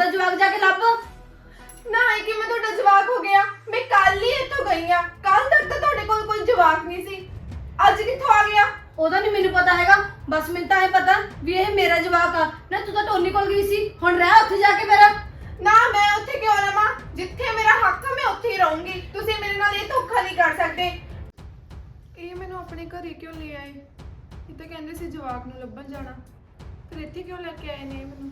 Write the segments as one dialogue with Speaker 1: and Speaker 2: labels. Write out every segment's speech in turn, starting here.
Speaker 1: ਆਪਦਾ ਜਵਾਕ ਜਾ ਕੇ ਲੱਭ।
Speaker 2: ਨਾ ਇਹ ਕਿ ਮੈਂ ਤੁਹਾਡਾ ਜਵਾਕ ਹੋ ਗਿਆ। ਮੈਂ ਕੱਲ ਹੀ ਇੱਥੋਂ ਗਈ ਆ, ਕੱਲ ਤੱਕ ਤਾਂ ਤੁਹਾਡੇ ਕੋਲ ਕੋਈ ਜਵਾਕ ਨਹੀਂ ਸੀ, ਅੱਜ ਕਿੱਥੋਂ ਆ ਗਿਆ?
Speaker 1: ਉਹਦਾ ਨਹੀਂ ਮੈਨੂੰ ਪਤਾ ਹੈਗਾ, ਬਸ ਮੈਨੂੰ ਤਾਂ ਇਹ ਪਤਾ ਵੀ ਇਹ ਮੇਰਾ ਜਵਾਕ ਆ ਨਾ। ਤੂੰ ਤਾਂ ਟੋਨੀ ਕੋਲ ਗਈ ਸੀ, ਹੁਣ ਰਹਿ ਉੱਥੇ ਜਾ ਕੇ ਮੇਰਾ।
Speaker 2: ਨਾ ਮੈਂ ਉੱਥੇ ਕਿਉਂ ਰਵਾਂ? ਜਿੱਥੇ ਮੇਰਾ ਹੱਕ ਆ ਮੈਂ ਉੱਥੇ ਹੀ ਰਹੂੰਗੀ। ਤੁਸੀਂ ਮੇਰੇ ਨਾਲ ਇਹ ਧੋਖਾ ਨਹੀਂ ਕਰ ਸਕਦੇ। ਇਹ ਮੈਨੂੰ ਆਪਣੇ ਘਰੇ ਕਿਉਂ ਲੈ ਆਏ? ਇਹ ਤਾਂ ਕਹਿੰਦੇ ਸੀ ਜਵਾਕ ਨੂੰ ਲੱਭਣ ਜਾਣਾ, ਫਿਰ ਇੱਥੇ ਕਿਉਂ ਲੈ ਕੇ ਆਏ ਨੇ ਮੈਨੂੰ?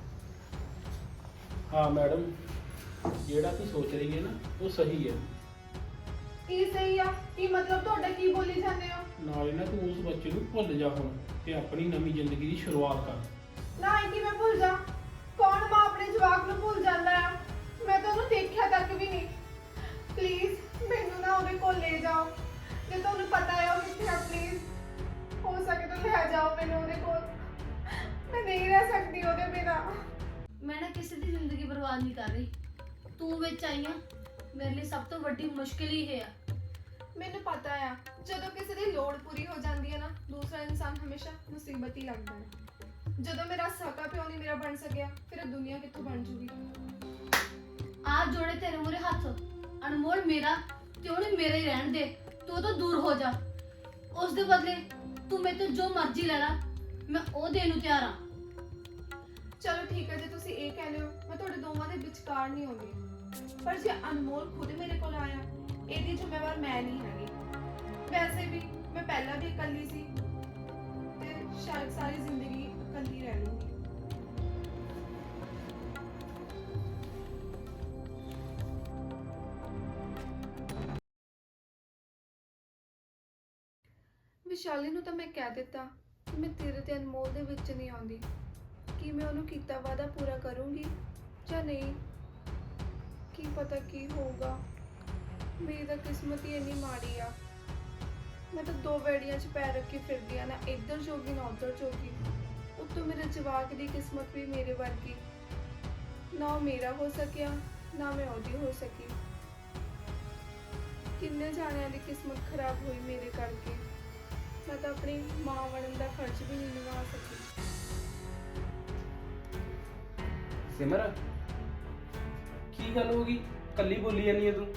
Speaker 3: हाँ मैडम, ਜਿਹੜਾ ਤੂੰ ਸੋਚ ਰਹੀ ਹੈ ਨਾ ਉਹ ਸਹੀ ਹੈ।
Speaker 2: ਕੀ ਸਹੀ ਆ? ਕੀ ਮਤਲਬ ਤੁਹਾਡਾ? ਕੀ ਬੋਲੀ ਜਾਂਦੇ ਹੋ?
Speaker 3: ਨਾਲੇ ਨਾ ਤੂੰ ਉਸ ਬੱਚੇ ਨੂੰ ਭੁੱਲ ਜਾ ਹੁਣ ਤੇ ਆਪਣੀ ਨਵੀਂ ਜ਼ਿੰਦਗੀ ਦੀ ਸ਼ੁਰੂਆਤ ਕਰ।
Speaker 2: ਨਾ ਇਹ ਕਿ ਮੈਂ ਭੁੱਲ ਜਾ? ਕੌਣ ਮਾਂ ਆਪਣੇ ਜਵਾਕ ਨੂੰ ਭੁੱਲ ਜਾਂਦਾ ਆ? ਮੈਂ ਤਾਂ ਉਹਨੂੰ ਦੇਖਿਆ ਤੱਕ ਵੀ ਨਹੀਂ। ਪਲੀਜ਼ ਮੈਨੂੰ ਨਾ ਉਹਦੇ ਕੋਲ ਲੈ ਜਾਓ। ਜੇ ਤੁਹਾਨੂੰ ਪਤਾ ਹੈ ਉਹ ਕਿੱਥੇ ਆ, ਪਲੀਜ਼ ਹੋ ਸਕੇ ਤਾਂ ਲੈ ਜਾਓ ਮੈਨੂੰ ਉਹਦੇ ਕੋਲ। ਮੈਂ ਨਹੀਂ ਰਹਿ ਸਕਦੀ ਉਹਦੇ ਬਿਨਾਂ।
Speaker 1: ਮੈਂ ਨਾ ਕਿਸੇ ਦੀ ਜ਼ਿੰਦਗੀ ਬਰਬਾਦ ਨਹੀਂ ਕਰ ਰਹੀ, ਤੂੰ ਵਿੱਚ ਆਈ ਆ। ਮੇਰੇ ਲਈ ਸਭ ਤੋਂ ਵੱਡੀ ਮੁਸ਼ਕਿਲ ਹੀ ਇਹ ਆ।
Speaker 2: ਮੈਨੂੰ ਪਤਾ ਆ ਜਦੋਂ ਕਿਸੇ ਦੀ ਲੋੜ ਪੂਰੀ ਹੋ ਜਾਂਦੀ ਹੈ ਨਾ, ਦੂਸਰਾ ਇਨਸਾਨ ਹਮੇਸ਼ਾ ਮੁਸੀਬਤ ਹੀ ਲੱਗਦਾ ਹੈ। ਜਦੋਂ ਮੇਰਾ ਸਕਾ ਪਿਓ ਨਹੀਂ ਮੇਰਾ ਬਣ ਸਕਿਆ, ਫਿਰ ਇਹ ਦੁਨੀਆ ਕਿੱਥੋਂ ਬਣ ਜੂਗੀ?
Speaker 1: ਆ ਜੋੜੇ ਤੇਰੇ ਮੂਹਰੇ ਹੱਥ, ਅਨਮੋਲ ਮੇਰਾ ਤੇ ਉਹਨੇ ਮੇਰਾ ਹੀ ਰਹਿਣ ਦੇ। ਤੂੰ ਉਹ ਤੋਂ ਦੂਰ ਹੋ ਜਾ। ਉਸ ਦੇ ਬਦਲੇ ਤੂੰ ਮੇਰੇ ਤੋਂ ਜੋ ਮਰਜ਼ੀ ਲੈ ਲੈ, ਮੈਂ ਉਹ ਦੇਣ ਨੂੰ ਤਿਆਰ ਆ।
Speaker 2: ਚਲੋ ਠੀਕ ਹੈ, ਜੇ ਤੁਸੀਂ ਇਹ ਕਹਿੰਦੇ ਹੋ ਮੈਂ ਤੁਹਾਡੇ ਦੋਵਾਂ ਦੇ ਵਿਚਕਾਰ ਨਹੀਂ ਆਉਂਦੀ। ਪਰ ਜੇ ਅਨਮੋਲ ਖੁਦ ਮੇਰੇ ਕੋਲ ਆਇਆ, ਇਹਦੀ ਜ਼ਿੰਮੇਵਾਰ ਮੈਂ ਨਹੀਂ ਹੈਗੀ। ਵੈਸੇ ਵੀ ਮੈਂ ਪਹਿਲਾਂ ਵੀ ਇਕੱਲੀ ਸੀ ਤੇ ਸ਼ਾਇਦ ਸਾਰੀ ਜ਼ਿੰਦਗੀ ਇਕੱਲੀ ਰਹਿ ਲੂੰਗੀ। ਵਿਸ਼ਾਲੀ ਨੂੰ ਤਾਂ ਮੈਂ ਕਹਿ ਦਿੱਤਾ ਕਿ ਮੈਂ ਤੇਰੇ ਤੇ ਅਨਮੋਲ ਦੇ ਵਿੱਚ ਨਹੀਂ ਆਉਂਦੀ। ਕੀ ਮੈਂ ਉਹਨੂੰ ਕੀਤਾ ਵਾਅਦਾ ਪੂਰਾ ਕਰੂੰਗੀ ਜਾਂ ਨਹੀਂ? ਕੀ ਪਤਾ ਕੀ ਹੋਊਗਾ। ਮੇਰੀ ਤਾਂ ਕਿਸਮਤ ਹੀ ਇੰਨੀ ਮਾੜੀ ਆ। ਮੈਂ ਤਾਂ ਦੋ ਵੇੜੀਆਂ 'ਚ ਪੈਰ ਰੱਖੀ ਫਿਰਦੀ ਆ, ਨਾ ਇੱਧਰ ਜੋਗੀ ਨਾ ਉੱਧਰ ਜੋਗੀ। ਉੱਤੋਂ ਮੇਰੇ ਜਵਾਕ ਦੀ ਕਿਸਮਤ ਵੀ ਮੇਰੇ ਵਰਗੀ। ਨਾ ਉਹ ਮੇਰਾ ਹੋ ਸਕਿਆ, ਨਾ ਮੈਂ ਉਹਦੀ ਹੋ ਸਕੀ। ਕਿੰਨੇ ਜਾਣਿਆਂ ਦੀ ਕਿਸਮਤ ਖਰਾਬ ਹੋਈ ਮੇਰੇ ਕਰਕੇ। ਮੈਂ ਤਾਂ ਆਪਣੀ ਮਾਂ ਬਣਨ ਦਾ ਖਰਚ ਵੀ ਨਹੀਂ ਨਿਭਾ ਸਕੀ।
Speaker 4: ਸਿਮਰ, ਕੀ ਗੱਲ ਹੋ ਗਈ? ਕੱਲੀ ਬੋਲੀ ਜਾਨੀ ਹੈ ਤੂੰ।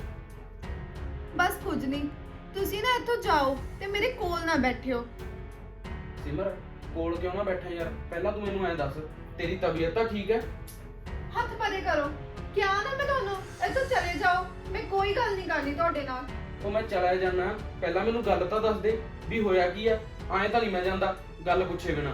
Speaker 2: ਬਸ ਕੁਝ ਨਹੀਂ, ਤੁਸੀਂ ਨਾ ਇੱਥੋਂ ਜਾਓ ਤੇ ਮੇਰੇ ਕੋਲ ਨਾ ਬੈਠਿਓ।
Speaker 4: ਸਿਮਰ, ਕੋਲ ਕਿਉਂ ਨਾ ਬੈਠਾ ਯਾਰ? ਪਹਿਲਾਂ ਤੂੰ ਮੈਨੂੰ ਐਂ ਦੱਸ, ਤੇਰੀ ਤਬੀਅਤ ਤਾਂ ਠੀਕ ਹੈ?
Speaker 2: ਹੱਥ ਪਰੇ ਕਰੋ। ਕਿਹਾ ਨਾ ਮੈਂ ਤੁਹਾਨੂੰ, ਇੱਥੋਂ ਚਲੇ ਜਾਓ। ਮੈਂ ਕੋਈ ਗੱਲ ਨਹੀਂ ਕਰਨੀ ਤੁਹਾਡੇ ਨਾਲ।
Speaker 4: ਉਹ ਮੈਂ ਚਲਾ ਜਾਣਾ, ਪਹਿਲਾਂ ਮੈਨੂੰ ਗੱਲ ਤਾਂ ਦੱਸ ਦੇ ਵੀ ਹੋਇਆ ਕੀ ਆ। ਐਂ ਤਾਂ ਨਹੀਂ ਮੈਂ ਜਾਂਦਾ ਗੱਲ ਪੁੱਛੇ ਬਿਨਾ।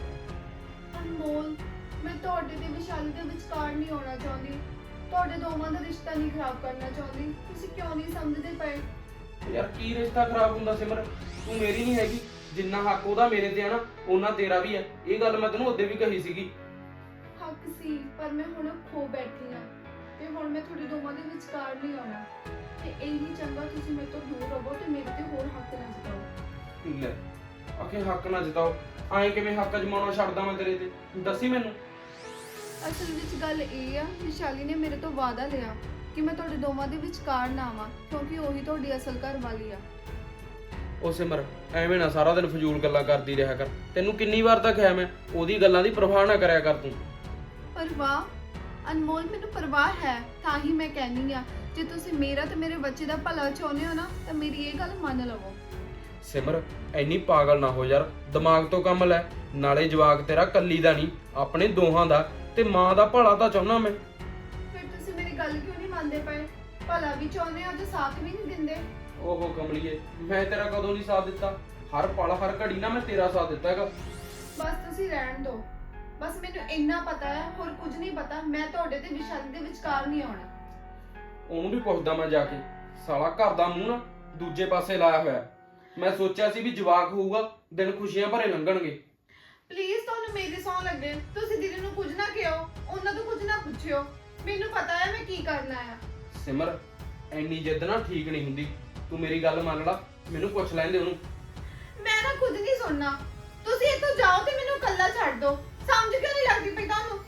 Speaker 2: ਅਨਮੋਲ, ਮੈਂ ਤੁਹਾਡੇ ਤੇ ਵਿਸ਼ਾਲੀ ਦੇ ਵਿਚਕਾਰ ਨਹੀਂ ਆਉਣਾ ਚਾਹੁੰਦੀ। ਤੁਹਾਡੇ ਦੋਵਾਂ ਦਾ ਰਿਸ਼ਤਾ ਨਹੀਂ ਖਰਾਬ ਕਰਨਾ ਚਾਹੁੰਦੀ। ਤੁਸੀਂ ਕਿਉਂ ਨਹੀਂ ਸਮਝਦੇ ਪਏ?
Speaker 4: ਯਾਰ ਕੀ ਰਿਸ਼ਤਾ ਖਰਾਬ ਹੁੰਦਾ ਸਿਮਰ? ਤੂੰ ਮੇਰੀ ਨਹੀਂ ਹੈਗੀ। ਜਿੰਨਾ ਹੱਕ ਉਹਦਾ ਮੇਰੇ ਤੇ ਆ ਨਾ, ਉਹਨਾਂ ਤੇਰਾ ਵੀ ਹੈ। ਇਹ ਗੱਲ ਮੈਂ ਤੈਨੂੰ ਉਦੋਂ ਵੀ ਕਹੀ ਸੀਗੀ।
Speaker 2: ਹੱਕ ਸੀ, ਪਰ ਮੈਂ ਹੁਣ ਖੋ ਬੈਠੀ ਹਾਂ ਤੇ ਹੁਣ ਮੈਂ ਤੁਹਾਡੇ ਦੋਵਾਂ ਦੇ ਵਿਚਕਾਰ ਨਹੀਂ ਆਉਣਾ। ਤੇ ਇਹੀ ਚੰਗਾ ਤੁਸੀਂ ਮੇਰੇ ਤੋਂ ਦੂਰ ਰਹੋ ਤੇ ਮੇਰੇ ਤੇ ਹੋਰ ਹੱਕ ਨਾ ਜਤਾਓ।
Speaker 4: ਲੈ, ਆਖੇ ਹੱਕ ਨਾ ਜਿਤਾਓ। ਐਂ ਕਿਵੇਂ ਹੱਕ ਜਮਾਉਣਾ ਛੱਡਦਾ ਮੈਂ ਤੇਰੇ ਤੇ? ਦੱਸੀ ਮੈਨੂੰ।
Speaker 2: ਅਸਲ ਵਿੱਚ ਗੱਲ ਇਹ ਆ, ਵਿਸ਼ਾਲੀ ਨੇ ਮੇਰੇ ਤੋਂ ਵਾਅਦਾ ਲਿਆ ਕਿ ਮੈਂ ਤੁਹਾਡੇ ਦੋਵਾਂ ਦੇ ਵਿਚਕਾਰ ਨਾ ਆਵਾਂ, ਕਿਉਂਕਿ ਉਹੀ ਤੁਹਾਡੀ ਅਸਲ ਘਰ ਵਾਲੀ ਆ।
Speaker 4: ਉਹ ਸਿਮਰ, ਐਵੇਂ ਨਾ ਸਾਰਾ ਦਿਨ ਫਜ਼ੂਲ ਗੱਲਾਂ ਕਰਦੀ ਰਿਹਾ ਕਰ। ਤੈਨੂੰ ਕਿੰਨੀ ਵਾਰ ਤਾਂ ਕਿਹਾ ਮੈਂ, ਉਹਦੀ ਗੱਲਾਂ ਦੀ ਪਰਵਾਹ ਨਾ ਕਰਿਆ ਕਰ ਤੂੰ।
Speaker 2: ਪਰਵਾਹ? ਅਨਮੋਲ, ਮੈਨੂੰ ਪਰਵਾਹ ਹੈ, ਤਾਂ ਹੀ ਮੈਂ ਕਹਿੰਦੀ ਆ ਜੇ ਤੁਸੀਂ ਮੇਰਾ ਤੇ ਮੇਰੇ ਬੱਚੇ ਦਾ ਭਲਾ ਚਾਹੁੰਦੇ ਹੋ ਨਾ, ਤਾਂ ਮੇਰੀ ਇਹ ਗੱਲ ਮੰਨ ਲਵੋ।
Speaker 4: ਸਿਮਰ, ਐਨੀ ਪਾਗਲ ਨਾ ਹੋ ਯਾਰ, ਦਿਮਾਗ ਤੋਂ ਕੰਮ ਲੈ। ਨਾਲੇ ਜਵਾਕ ਤੇਰਾ ਕੱਲੀ ਦਾ ਨਹੀਂ, ਆਪਣੇ ਦੋਹਾਂ ਦਾ, ਤੇ ਮਾਂ ਦਾ ਭਲਾ ਤਾਂ ਚਾਹੁੰਦਾ ਮੈਂ।
Speaker 2: ਫਿਰ ਤੁਸੀਂ ਮੇਰੀ ਗੱਲ ਕਿਉਂ ਨਹੀਂ ਮੰਨਦੇ ਪਏ? ਭਲਾ ਵੀ ਚਾਹੁੰਦੇ ਹੋ ਤੇ ਸਾਥ ਵੀ ਨਹੀਂ ਦਿੰਦੇ।
Speaker 4: ਓਹੋ ਕਮਲੀਏ, ਮੈਂ ਤੇਰਾ ਕਦੋਂ ਨਹੀਂ ਸਾਥ ਦਿੱਤਾ? ਹਰ ਪਲ ਹਰ ਘੜੀ ਨਾ ਮੈਂ ਤੇਰਾ ਸਾਥ ਦਿੱਤਾ ਹੈਗਾ।
Speaker 2: ਬਸ ਤੁਸੀਂ ਰਹਿਣ ਦਿਓ। ਬਸ ਮੈਨੂੰ ਇੰਨਾ ਪਤਾ ਹੈ, ਹੋਰ ਕੁਝ ਨਹੀਂ ਪਤਾ। ਮੈਂ ਤੁਹਾਡੇ ਤੇ ਵਿਸ਼ਾਲੀ ਦੇ ਵਿਚਕਾਰ ਨਹੀਂ ਆਉਣਾ।
Speaker 4: ਉਹਨੂੰ ਵੀ ਪੁੱਛਦਾ ਮੈਂ ਜਾ ਕੇ। ਸਾਲਾ ਘਰ ਦਾ ਮੂੰਹ ਨਾ ਦੂਜੇ ਪਾਸੇ ਲਾਇਆ ਹੋਇਆ। ਮੈਂ ਸੋਚਿਆ ਸੀ ਵੀ ਜਵਾਕ ਹੋਊਗਾ, ਦਿਨ ਖੁਸ਼ੀਆਂ ਭਰੇ ਲੰਘਣਗੇ।
Speaker 2: ਪਲੀਜ਼ ਤੁਹਾਨੂੰ ਮੇਰੀ ਸੌਂ ਲੱਗੇ, ਤੁਸੀਂ ਦੀਦੀ ਨੂੰ ਕੁਝ ਨਾ ਕਿਹੋ, ਉਹਨਾਂ ਤੋਂ ਕੁਝ ਨਾ ਪੁੱਛਿਓ। ਮੈਨੂੰ ਪਤਾ ਹੈ ਮੈਂ ਕੀ ਕਰਨਾ ਆ।
Speaker 4: ਸਿਮਰ, ਐਨੀ ਜਿੱਦ ਨਾ ਠੀਕ ਨਹੀਂ ਹੁੰਦੀ। ਤੂੰ ਮੇਰੀ ਗੱਲ ਮੰਨ ਲਾ, ਮੈਨੂੰ ਪੁੱਛ ਲੈਂਦੇ ਉਹਨੂੰ।
Speaker 2: ਮੈਂ ਨਾ ਖੁਦ ਨਹੀਂ ਸੁਣਨਾ। ਤੁਸੀਂ ਇੱਥੋਂ ਜਾਓ ਤੇ ਮੈਨੂੰ ਇਕੱਲਾ ਛੱਡ ਦਿਓ। ਸਮਝ ਕਿਉਂ ਨਹੀਂ ਲੱਗਦੀ ਪਈ ਤੁਹਾਨੂੰ?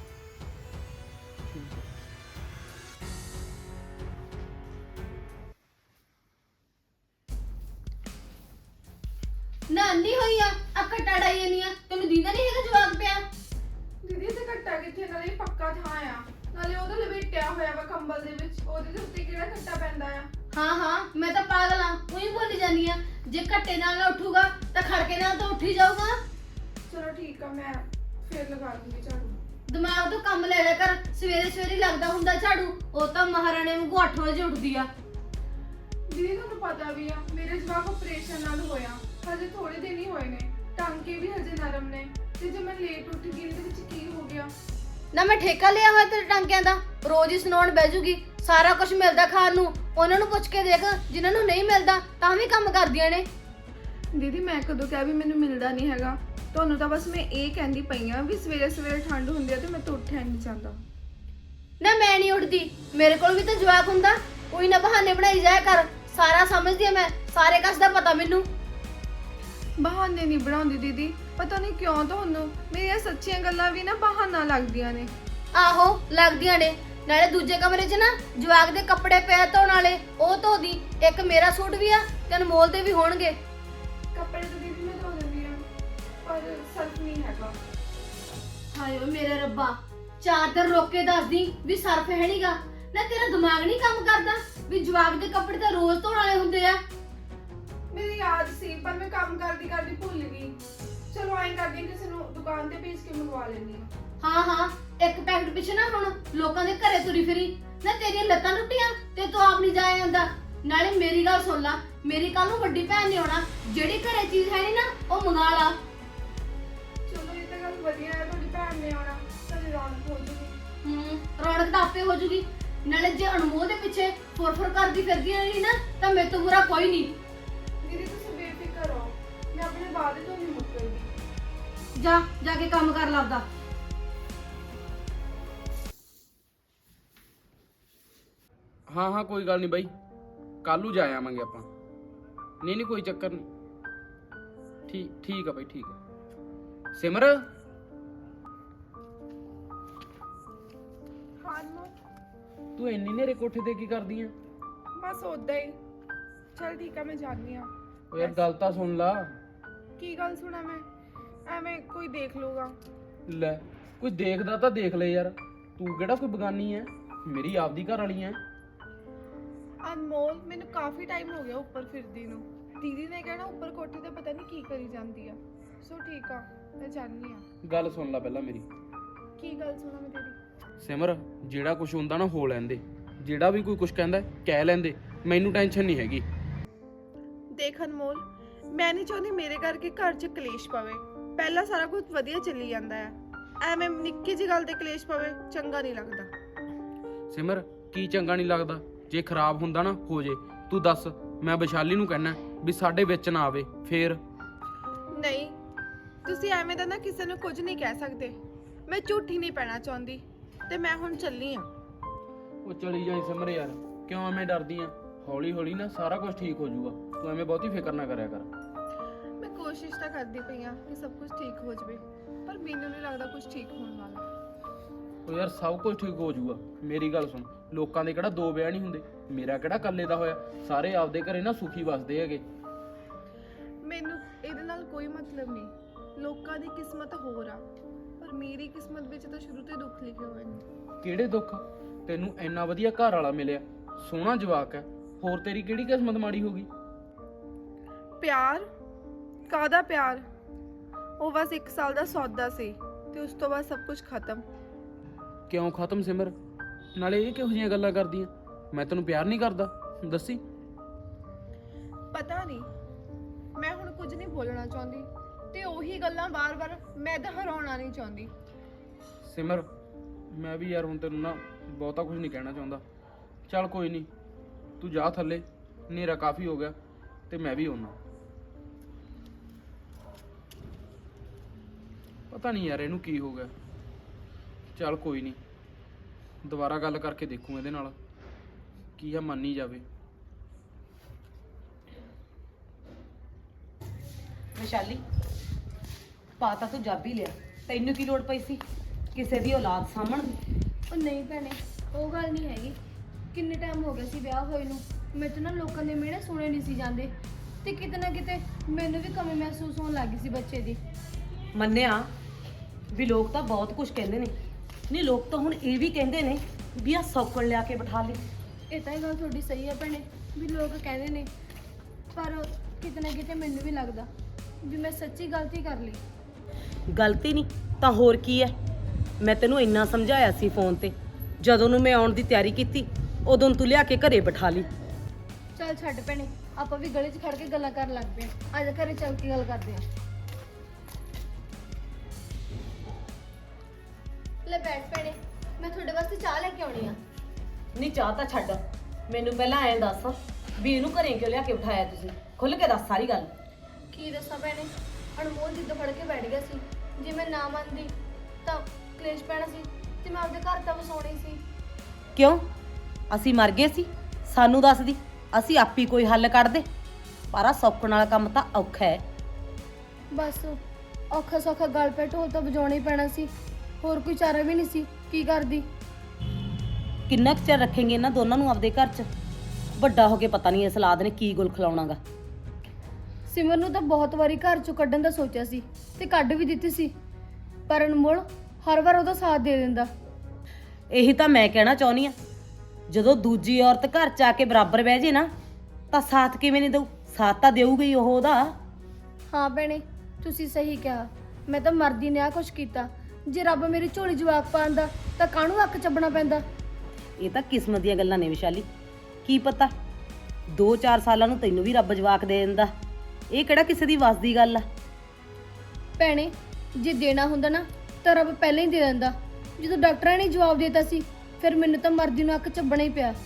Speaker 1: ਨਾ ਅੰਨੀ ਹੋਈ ਆ ਕੱਟਾ ਡਾਈ ਜਾਨੀ ਆ। ਤੈਨੂੰ ਦੀਦਾ ਨਹੀਂ ਹੈਗਾ ਜਵਾਕ ਪਿਆ?
Speaker 2: ਦੀਦੀ ਤੇ ਘੱਟਾ ਕਿੱਥੇ, ਨਾਲੇ ਪੱਕਾ ਥਾਂ ਆ। ਨਾਲੇ ਉਹਦਾ ਲਪੇਟਿਆ ਹੋਇਆ ਵਾ ਕੰਬਲ ਦੇ ਵਿੱਚ, ਉਹਦੇ ਦੇ ਉੱਤੇ ਕਿਹੜਾ ਘੱਟਾ ਪੈਂਦਾ ਆ।
Speaker 1: ਹਾਂ ਮੈਂ ਤਾਂ ਪਾਗਲ ਆ, ਉਹੀ ਬੋਲੀ ਜਾਂਦੀ ਆ। ਜੇ ਘੱਟੇ ਨਾਲ ਨਾ ਉੱਠੂਗਾ ਤਾਂ ਖੜਕੇ ਨਾਲ ਤਾਂ ਉੱਠ ਹੀ ਜਾਊਗਾ।
Speaker 2: ਚਲੋ ਠੀਕ ਆ, ਮੈਂ ਫੇਰ ਲਗਾ ਦੂੰਗੀ ਝਾੜੂ।
Speaker 1: ਦਿਮਾਗ ਤੋਂ ਕੰਮ ਲੈ ਲਿਆ ਕਰ, ਸਵੇਰੇ ਸਵੇਰੇ ਲੱਗਦਾ ਹੁੰਦਾ ਝਾੜੂ। ਉਹ ਤਾਂ ਮਹਾਰਾਣੀ ਵਾਂਗੂ 8 ਵਜੇ ਉੱਠਦੀ ਆ।
Speaker 2: ਦੀਦੀ ਤੁਹਾਨੂੰ ਪਤਾ ਵੀ ਆ ਮੇਰੇ ਜਵਾਕ ਆਪਰੇਸ਼ਨ ਨਾਲ ਹੋਇਆ, ਹਜੇ ਥੋੜੇ ਦਿਨ ਹੀ ਹੋਏ ਨੇ, ਟਾਂਕੇ ਵੀ ਹਜੇ ਨਰਮ ਨੇ, ਤੇ ਜੇ ਮੈਂ ਲੇਟ ਉੱਠ ਗਈ ਇਹਦੇ ਵਿੱਚ ਕੀ ਹੋ ਗਿਆ?
Speaker 1: ਨਾ ਮੈਂ ਠੇਕਾ ਲਿਆ ਹੋਇਆ ਤੇਰੇ ਟਾਂਕਿਆਂ ਦਾ, ਰੋਜ਼ ਹੀ ਸੁਣਾਉਣ ਬਹਿ ਜੂਗੀ। ਸਾਰਾ ਕੁਝ ਮਿਲਦਾ ਖਾਣ ਨੂੰ, ਉਹਨਾਂ ਨੂੰ ਪੁੱਛ ਕੇ ਦੇਖ, ਜਿਨ੍ਹਾਂ ਨੂੰ ਨਹੀਂ ਮਿਲਦਾ ਤਾਂ ਵੀ ਕੰਮ ਕਰਦੀਆਂ ਨੇ।
Speaker 2: ਦੀਦੀ ਮੈਂ ਕਦੋਂ ਕਿਹਾ ਵੀ ਮੈਨੂੰ ਮਿਲਦਾ ਨਹੀਂ ਹੈਗਾ? ਤੁਹਾਨੂੰ ਤਾਂ ਬਸ ਮੈਂ ਇਹ ਕਹਿੰਦੀ ਪਈ ਆ ਵੀ ਸਵੇਰੇ ਸਵੇਰੇ ਠੰਡ ਹੁੰਦੀ ਆ ਤੇ ਮੈਂ ਤਾਂ ਉੱਠਿਆ ਨਹੀਂ ਜਾਂਦਾ।
Speaker 1: ਨਾ ਮੈਂ ਨਹੀਂ ਉੱਠਦੀ, ਮੇਰੇ ਕੋਲ ਵੀ ਤਾਂ ਜਵਾਕ ਹੁੰਦਾ। ਕੋਈ ਨਾ ਬਹਾਨੇ ਬਣਾਈ ਜਾਇਆ ਕਰ, ਸਾਰਾ ਸਮਝਦੀ ਆ ਮੈਂ, ਸਾਰੇ ਕਸ ਦਾ ਪਤਾ ਮੈਨੂੰ।
Speaker 2: ਬਹਾਨੇ ਨਹੀਂ ਬਣਾਉਂਦੀ ਦੀਦੀ, ਪਤਾ ਨਹੀਂ ਕਿਉਂ ਤੁਹਾਨੂੰ ਮੇਰੀਆਂ ਸੱਚੀਆਂ ਗੱਲਾਂ ਵੀ ਨਾ ਬਹਾਨਾ ਲੱਗਦੀਆਂ ਨੇ।
Speaker 1: ਆਹੋ ਲੱਗਦੀਆਂ ਨੇ। ਨਾਲੇ ਦੂਜੇ ਕਮਰੇ 'ਚ ਨਾ ਜਵਾਕ ਦੇ ਕੱਪੜੇ ਪਏ ਧੋਣ ਵਾਲੇ, ਉਹ ਧੋ ਦੀ। ਇੱਕ ਮੇਰਾ ਸੂਟ ਵੀ ਆ ਤੇ ਅਨਮੋਲ ਦੇ ਵੀ ਹੋਣਗੇ।
Speaker 2: ਕੱਪੜੇ ਤਾਂ ਦੀਦੀ ਮੈਂ ਧੋ ਦਿੰਦੀ ਆ, ਪਰ ਸਰਫ ਨਹੀਂ ਹੈਗਾ।
Speaker 1: ਹਾਏ ਓ ਮੇਰੇ ਰੱਬਾ, 4 ਦਿਨ ਰੋਕ ਕੇ ਦੱਸਦੀ ਵੀ ਸਰਫ ਹੈ ਨਹੀਂਗਾ। ਨਾ ਤੇਰਾ ਦਿਮਾਗ ਨਹੀਂ ਕੰਮ ਕਰਦਾ ਵੀ ਜਵਾਕ ਦੇ ਕੱਪੜੇ ਤਾਂ ਰੋਜ਼ ਧੋਣ ਵਾਲੇ ਹੁੰਦੇ ਆ।
Speaker 2: ਮੇਰੀ ਯਾਦ ਸੀ ਪਰ ਮੈਂ ਕੰਮ ਕਰਦੀ ਕਰਦੀ ਭੁੱਲ ਗਈ। ਚਲੋ ਐਂ ਕਰਦੀ ਕਿਸੇ ਨੂੰ ਦੁਕਾਨ ਤੇ ਭੇਜ ਕੇ ਮੰਗਵਾ ਲੈਂਦੀ ਆ।
Speaker 1: ਹਾਂ ਇੱਕ ਪੈਕਟ ਪਿੱਛੇ ਨਾ ਹੁਣ ਲੋਕਾਂ ਦੇ ਘਰੇ ਤੁਰੀ ਫਿਰੀ। ਨਾ ਤੇਰੀਆਂ ਲੱਤਾਂ ਟੁੱਟੀਆਂ ਤੇ ਤੂੰ ਆਪ ਨਹੀਂ ਜਾਇਆ ਜਾਂਦਾ। ਨਾਲੇ ਮੇਰੀ ਗੱਲ ਸੁਣ ਲਾ, ਮੇਰੀ ਕੱਲ ਨੂੰ ਵੱਡੀ ਭੈਣ ਨੇ ਆਉਣਾ, ਜਿਹੜੀ ਘਰੇ ਚੀਜ਼ ਹੈ ਨਹੀਂ ਨਾ ਉਹ ਮੰਗਾ ਲਾ।
Speaker 2: ਚਲੋ ਇਹ ਤਾਂ ਗੱਲ ਵਧੀਆ ਹੈ, ਤੁਹਾਡੀ ਭੈਣ ਨੇ ਆਉਣਾ, ਤੁਹਾਡੀ ਰੌਣਕ ਹੋ ਜੂਗੀ।
Speaker 1: ਰੌਣਕ ਤਾਂ ਆਪੇ ਹੋ ਜੂਗੀ। ਨਾਲੇ ਜੇ ਅਨਮੋਲ ਦੇ ਪਿੱਛੇ ਫੁਰ ਕਰਦੀ ਫਿਰਦੀ ਰਹੀ ਨਾ ਤਾਂ ਮੇਰੇ ਤੋਂ ਬੁਰਾ ਕੋਈ ਨਹੀਂ।
Speaker 2: ਦੀਦੀ ਤੁਸੀਂ ਬੇਫਿਕਰ ਹੋ, ਮੈਂ ਆਪਣੇ ਵਾਅਦੇ ਤੋਂ ਨਹੀਂ ਮੁੱਕਰਦੀ।
Speaker 1: ਜਾ ਕੇ ਕੰਮ ਕਰ ਲੱਭਦਾ।
Speaker 4: ਹਾਂ ਕੋਈ ਗੱਲ ਨਹੀਂ ਬਾਈ, ਕੱਲ ਨੂੰ ਜਾ ਆਵਾਂਗੇ ਆਪਾਂ। ਨਹੀਂ ਕੋਈ ਚੱਕਰ ਨਹੀਂ। ਠੀਕ ਆ ਬਾਈ, ਠੀਕ ਆ। ਸਿਮਰ
Speaker 2: ਹਾਂ ਨੂੰ
Speaker 4: ਤੂੰ ਇੰਨੀ ਨੇਰੇ ਕੋਠੇ ਤੇ ਕੀ ਕਰਦੀ ਆ?
Speaker 2: ਬਸ ਉਦਾਂ ਹੀ। ਚਲ ਠੀਕ ਆ, ਮੈਂ ਜਾਣੀ ਆ।
Speaker 4: ਓ ਯਾਰ ਗੱਲ ਤਾਂ ਸੁਣ ਲਾ।
Speaker 2: ਕੀ ਗੱਲ ਸੁਣਾ ਮੈਂ? ਐਵੇਂ ਕੋਈ ਦੇਖ ਲੂਗਾ।
Speaker 4: ਲੈ ਕੋਈ ਦੇਖਦਾ ਤਾਂ ਦੇਖ ਲੈ ਯਾਰ, ਤੂੰ ਕਿਹੜਾ ਕੋਈ ਬਗਾਨੀ ਐ, ਮੇਰੀ ਆਪਦੀ ਘਰ ਵਾਲੀ ਐ।
Speaker 2: ਅਨਮੋਲ ਮੈਨੂੰ ਕਾਫੀ ਟਾਈਮ ਹੋ ਗਿਆ ਉੱਪਰ ਫਿਰਦੀ ਨੂੰ। ਦੀਦੀ ਨੇ ਕਹਿਣਾ ਉੱਪਰ ਕੋਠੇ ਤੇ ਪਤਾ ਨਹੀਂ ਕੀ ਕਰੀ ਜਾਂਦੀ ਆ। ਸੋ ਠੀਕ ਆ, ਮੈਂ ਜਾਣੀ ਆ।
Speaker 4: ਗੱਲ ਸੁਣ ਲੈ ਪਹਿਲਾਂ ਮੇਰੀ।
Speaker 2: ਕੀ ਗੱਲ ਸੁਣਾ ਮੈਂ ਤੇਰੀ?
Speaker 4: ਸਿਮਰ ਜਿਹੜਾ ਕੁਝ ਹੁੰਦਾ ਨਾ ਹੋ ਲੈਂਦੇ, ਜਿਹੜਾ ਵੀ ਕੋਈ ਕੁਝ ਕਹਿੰਦਾ ਕਹਿ ਲੈਂਦੇ, ਮੈਨੂੰ ਟੈਨਸ਼ਨ ਨਹੀਂ ਹੈਗੀ।
Speaker 2: ਦੇਖ ਅਨਮੋਲ, ਮੈਂ ਨਹੀਂ ਚਾਹੁੰਦੀ ਮੇਰੇ ਕਰਕੇ ਘਰ 'ਚ ਕਲੇਸ਼ ਪਵੇ। ਪਹਿਲਾਂ ਸਾਰਾ ਕੁਝ ਵਧੀਆ ਚੱਲੀ ਜਾਂਦਾ ਹੈ, ਐਵੇਂ ਨਿੱਕੀ ਜਿਹੀ ਗੱਲ ਤੇ ਕਲੇਸ਼ ਪਵੇ ਚੰਗਾ ਨਹੀਂ ਲੱਗਦਾ।
Speaker 4: ਸਿਮਰ ਕੀ ਚੰਗਾ ਨਹੀਂ ਲੱਗਦਾ? ਜੇ ਖਰਾਬ ਹੁੰਦਾ ਨਾ ਹੋ ਜੇ, ਤੂੰ ਦੱਸ। ਮੈਂ ਵਿਸ਼ਾਲੀ ਨੂੰ ਕਹਿਣਾ ਵੀ ਸਾਡੇ ਵਿੱਚ ਨਾ ਆਵੇ ਫੇਰ।
Speaker 2: ਨਹੀਂ, ਤੁਸੀਂ ਐਵੇਂ ਦਾ ਨਾ ਕਿਸੇ ਨੂੰ ਕੁਝ ਨਹੀਂ ਕਹਿ ਸਕਦੇ। ਮੈਂ ਝੂਠੀ ਨਹੀਂ ਪੈਣਾ ਚਾਹੁੰਦੀ ਤੇ ਮੈਂ ਹੁਣ ਚੱਲੀ ਆ।
Speaker 4: ਉਹ ਚਲੀ ਜਾਈ ਸਿਮਰ ਯਾਰ, ਕਿਉਂ ਐਵੇਂ ਡਰਦੀ ਆ? ਹੌਲੀ ਹੌਲੀ ਨਾ ਸਾਰਾ ਕੁਝ ਠੀਕ ਹੋ ਜਾਊਗਾ, ਤੂੰ ਐਵੇਂ ਬਹੁਤੀ ਫਿਕਰ ਨਾ ਕਰਿਆ ਕਰ।
Speaker 2: ਮੈਂ ਕੋਸ਼ਿਸ਼ ਤਾਂ ਕਰਦੀ ਪਈ ਆ ਕਿ ਸਭ ਕੁਝ ਠੀਕ ਹੋ ਜਾਵੇ, ਪਰ ਮੈਨੂੰ ਨਹੀਂ ਲੱਗਦਾ ਕੁਝ ਠੀਕ ਹੋਣ ਵਾਲਾ।
Speaker 4: ਉਹ ਯਾਰ ਸਭ ਕੁਝ ਠੀਕ ਹੋ ਜਾਊਗਾ, ਮੇਰੀ ਗੱਲ ਸੁਣ। ਲੋਕਾਂ ਦੇ ਕਿਹੜਾ 2 ਵਿਆਹ ਨਹੀਂ ਹੁੰਦੇ, ਮੇਰਾ ਕਿਹੜਾ ਇਕੱਲੇ ਦਾ ਹੋਇਆ। ਸਾਰੇ ਆਪਦੇ ਘਰੇ ਨਾ ਸੁਖੀ ਵਸਦੇ ਹੈਗੇ।
Speaker 2: ਮੈਨੂੰ ਇਹਦੇ ਨਾਲ ਕੋਈ ਮਤਲਬ ਨਹੀਂ। ਲੋਕਾਂ ਦੀ ਕਿਸਮਤ ਹੋਰ ਆ, ਪਰ ਮੇਰੀ ਕਿਸਮਤ ਵਿੱਚ ਤਾਂ ਸ਼ੁਰੂ ਤੋਂ ਹੀ ਦੁੱਖ ਲਿਖੇ ਹੋਏ ਨੇ।
Speaker 4: ਕਿਹੜੇ ਦੁੱਖ? ਤੈਨੂੰ ਇੰਨਾ ਵਧੀਆ ਘਰ ਵਾਲਾ ਮਿਲਿਆ, ਸੋਹਣਾ ਜਵਾਕ ਹੈ, ਹੋਰ ਤੇਰੀ ਕਿਹੜੀ ਕਿਸਮਤ ਮਾੜੀ ਹੋ ਗਈ?
Speaker 2: ਪਿਆਰ? ਕਾਹਦਾ ਪਿਆਰ? ਉਹ ਬਸ 1 ਸਾਲ ਦਾ ਸੌਦਾ ਸੀ ਤੇ ਉਸ ਤੋਂ ਬਾਅਦ ਸਭ ਕੁਝ ਖਤਮ।
Speaker 4: ਕਿਉਂ ਖਤਮ ਸਿਮਰ? ਨਾਲੇ ਇਹ ਕਿਹੋ ਜਿਹੀਆਂ ਗੱਲਾਂ ਕਰਦੀਆਂ? ਮੈਂ ਤੈਨੂੰ ਪਿਆਰ ਨਹੀਂ ਕਰਦਾ, ਦੱਸੀ।
Speaker 2: ਪਤਾ ਨਹੀਂ, ਮੈਂ ਹੁਣ ਕੁਝ ਨਹੀਂ ਬੋਲਣਾ ਚਾਹੁੰਦੀ ਤੇ ਉਹੀ ਗੱਲਾਂ ਵਾਰ-ਵਾਰ ਮੈਂ ਦੁਹਰਾਉਣਾ ਨਹੀਂ ਚਾਹੁੰਦੀ।
Speaker 4: ਸਿਮਰ ਮੈਂ ਵੀ ਯਾਰ ਹੁਣ ਤੈਨੂੰ ਨਾ ਬਹੁਤਾ ਕੁਝ ਨਹੀਂ ਕਹਿਣਾ ਚਾਹੁੰਦਾ। ਚੱਲ ਕੋਈ ਨਹੀਂ, ਤੂੰ ਜਾ ਥੱਲੇ, ਹਨੇਰਾ ਕਾਫੀ ਹੋ ਗਿਆ ਤੇ ਮੈਂ ਵੀ ਆਉਣਾ। ਪਤਾ ਨਹੀਂ ਯਾਰ ਇਹਨੂੰ ਕੀ ਹੋ ਗਿਆ। ਚੱਲ ਕੋਈ ਨਹੀਂ, ਦੁਬਾਰਾ ਗੱਲ ਕਰਕੇ ਦੇਖੂ ਇਹਦੇ ਨਾਲ, ਕੀ ਆ ਮੰਨ ਹੀ ਜਾਵੇ।
Speaker 5: ਵਿਸ਼ਾਲੀ ਪਾ ਤਾਂ ਤੂੰ ਜਾਬੀ ਲਿਆ, ਤੈਨੂੰ ਕੀ ਲੋੜ ਪਈ ਸੀ ਕਿਸੇ ਦੀ ਔਲਾਦ ਸਾਂਭਣ ਦੀ?
Speaker 1: ਉਹ ਨਹੀਂ ਭੈਣੇ, ਉਹ ਗੱਲ ਨਹੀਂ ਹੈਗੀ। ਕਿੰਨੇ ਟਾਈਮ ਹੋ ਗਿਆ ਸੀ ਵਿਆਹ ਹੋਏ ਨੂੰ, ਮੇਰੇ ਤੋਂ ਨਾ ਲੋਕਾਂ ਦੇ ਮਿਹਣੇ ਸੁਣੇ ਨਹੀਂ ਸੀ ਜਾਂਦੇ ਤੇ ਕਿਤੇ ਨਾ ਕਿਤੇ ਮੈਨੂੰ ਵੀ ਕਮੀ ਮਹਿਸੂਸ ਹੋਣ ਲੱਗੀ ਸੀ ਬੱਚੇ ਦੀ।
Speaker 5: ਮੰਨਿਆ ਵੀ ਲੋਕ ਤਾਂ ਬਹੁਤ ਕੁਝ ਕਹਿੰਦੇ ਨੇ, ਨਹੀਂ ਲੋਕ ਤਾਂ ਹੁਣ ਇਹ ਵੀ ਕਹਿੰਦੇ ਨੇ ਵੀ ਆ ਸੌਕਣ ਲਿਆ ਕੇ ਬਿਠਾ ਲਈ।
Speaker 2: ਇਹ ਤਾਂ ਇਹ ਗੱਲ ਤੁਹਾਡੀ ਸਹੀ ਹੈ ਭੈਣੇ ਵੀ ਲੋਕ ਕਹਿੰਦੇ ਨੇ, ਪਰ ਕਿਤੇ ਨਾ ਕਿਤੇ ਮੈਨੂੰ ਵੀ ਲੱਗਦਾ ਵੀ ਮੈਂ ਸੱਚੀ ਗਲਤੀ ਕਰ ਲਈ।
Speaker 5: ਗਲਤੀ ਨਹੀਂ ਤਾਂ ਹੋਰ ਕੀ ਹੈ। ਮੈਂ ਤੈਨੂੰ ਇੰਨਾ ਸਮਝਾਇਆ ਸੀ ਫੋਨ ਤੇ, ਜਦੋਂ ਨੂੰ ਮੈਂ ਆਉਣ ਦੀ ਤਿਆਰੀ ਕੀਤੀ ਉਦੋਂ ਤੂੰ ਲਿਆ ਕੇ ਘਰੇ ਬਿਠਾ ਲਈ।
Speaker 2: ਚੱਲ ਛੱਡ ਭੈਣੇ, ਆਪਾਂ ਵੀ ਗਲੀ 'ਚ ਖੜ ਕੇ ਗੱਲਾਂ ਕਰਨ ਲੱਗ ਪਏ ਆ। ਅੱਜ ਘਰੇ ਚੱਲ ਕੇ ਗੱਲ ਕਰਦੇ ਆ। ਲੈ ਬੈਠ ਭੈਣੇ, ਮੈਂ ਤੁਹਾਡੇ ਵਾਸਤੇ ਚਾਹ ਲੈ ਕੇ ਆਉਣੀ ਆ।
Speaker 5: ਨਹੀਂ ਚਾਹ ਤਾਂ ਛੱਡ, ਮੈਨੂੰ ਪਹਿਲਾਂ ਐਂ ਦੱਸ ਵੀ ਇਹਨੂੰ ਘਰੇ ਕਿਉਂ ਲਿਆ ਕੇ ਬਿਠਾਇਆ ਤੁਸੀਂ? ਖੁੱਲ ਕੇ ਦੱਸ ਸਾਰੀ ਗੱਲ।
Speaker 2: ਕੀ ਦੱਸਾਂ ਭੈਣੇ, ਅਨਮੋਲ ਜਿੱਦ ਫੜ ਕੇ ਬੈਠ ਗਿਆ ਸੀ। ਜੇ ਮੈਂ ਨਾ ਮੰਨਦੀ ਤਾਂ ਕਲੇਸ਼ ਪੈਣਾ ਸੀ ਤੇ ਮੈਂ ਆਪਦੇ ਘਰ ਤਾਂ ਵਸਾਉਣੀ ਸੀ।
Speaker 5: ਕਿਉਂ ਅਸੀਂ ਮਰ ਗਏ ਸੀ? ਸਾਨੂੰ ਦੱਸਦੀ, ਅਸੀਂ ਆਪੀ ਕੋਈ ਹੱਲ ਕੱਢਦੇ। ਪਰ ਆ ਸੌਕਣ ਵਾਲਾ ਕੰਮ ਤਾਂ ਔਖਾ ਹੈ।
Speaker 2: ਬਸ ਔਖਾ ਸੌਖਾ ਗਲ ਪੈ ਢੋਲ ਤਾਂ ਵਜਾਉਣਾ ਹੀ ਪੈਣਾ ਸੀ, ਹੋਰ ਕੋਈ ਚਾਰਾ ਵੀ ਨਹੀਂ ਸੀ। ਕੀ ਕਰਦੀ?
Speaker 5: ਕਿੰਨਾ ਕੁ ਚਿਰ ਰੱਖेंगे ਇਹਨਾਂ ਦੋਨਾਂ ਨੂੰ ਆਪਦੇ ਘਰ 'ਚ? ਵੱਡਾ ਹੋ ਕੇ ਪਤਾ ਨਹੀਂ ਇਸ ਔਲਾਦ ਨੇ ਕੀ ਗੁਲ ਖਿਲਾਉਣਾਗਾ।
Speaker 2: ਸਿਮਰ ਨੂੰ ਤਾਂ ਬਹੁਤ ਵਾਰੀ ਘਰ ਚੋਂ ਕੱਢਣ ਦਾ ਸੋਚਿਆ ਸੀ ਤੇ ਕੱਢ ਵੀ ਦਿੱਤੀ ਸੀ, ਪਰ ਅਨਮੋਲ ਹਰ ਵਾਰ ਉਹਦਾ ਸਾਥ ਦੇ ਦਿੰਦਾ।
Speaker 5: ਇਹੀ ਤਾਂ ਮੈਂ ਕਹਿਣਾ ਚਾਹੁੰਦੀ ਆ, ਜਦੋਂ ਦੂਜੀ ਔਰਤ ਘਰ 'ਚ ਆ ਕੇ ਬਰਾਬਰ ਬਹਿ ਜੇ ਨਾ ਤਾਂ ਸਾਥ ਕਿਵੇਂ ਨਹੀਂ ਦਊ? ਸਾਥ ਤਾਂ ਦੇਊਗਾ ਹੀ ਉਹ ਉਹਦਾ।
Speaker 2: ਹਾਂ ਭੈਣੇ, ਤੁਸੀਂ ਸਹੀ ਕਿਹਾ। ਮੈਂ ਤਾਂ ਮਰਦੀ ਨੇ ਆ ਕੁਛ ਕੀਤਾ। ਜੇ ਰੱਬ ਮੇਰੀ ਝੋਲੀ ਜਵਾਕ ਪਾਉਂਦਾ ਤਾਂ ਕਾਹਨੂੰ ਅੱਖ ਚੱਬਣਾ ਪੈਂਦਾ।
Speaker 5: ਇਹ ਤਾਂ ਕਿਸਮਤ ਦੀਆਂ ਗੱਲਾਂ ਨੇ ਵਿਸ਼ਾਲੀ। ਕੀ ਪਤਾ 2-4 ਸਾਲਾਂ ਨੂੰ ਤੈਨੂੰ ਵੀ ਰੱਬ ਜਵਾਕ ਦੇ ਦਿੰਦਾ। ਇਹ ਕਿਹੜਾ ਕਿਸੇ ਦੀ ਵੱਸ ਦੀ ਗੱਲ ਆ?
Speaker 2: ਭੈਣੇ ਜੇ ਦੇਣਾ ਹੁੰਦਾ ਨਾ ਤਾਂ ਰੱਬ ਪਹਿਲਾਂ ਹੀ ਦੇ ਦਿੰਦਾ। ਜਦੋਂ ਡਾਕਟਰਾਂ ਨੇ ਜਵਾਬ ਦਿੱਤਾ ਸੀ ਫਿਰ ਮੈਨੂੰ ਤਾਂ ਮਰਦੀ ਨੂੰ ਅੱਖ ਚੱਬਣਾ ਹੀ ਪਿਆ।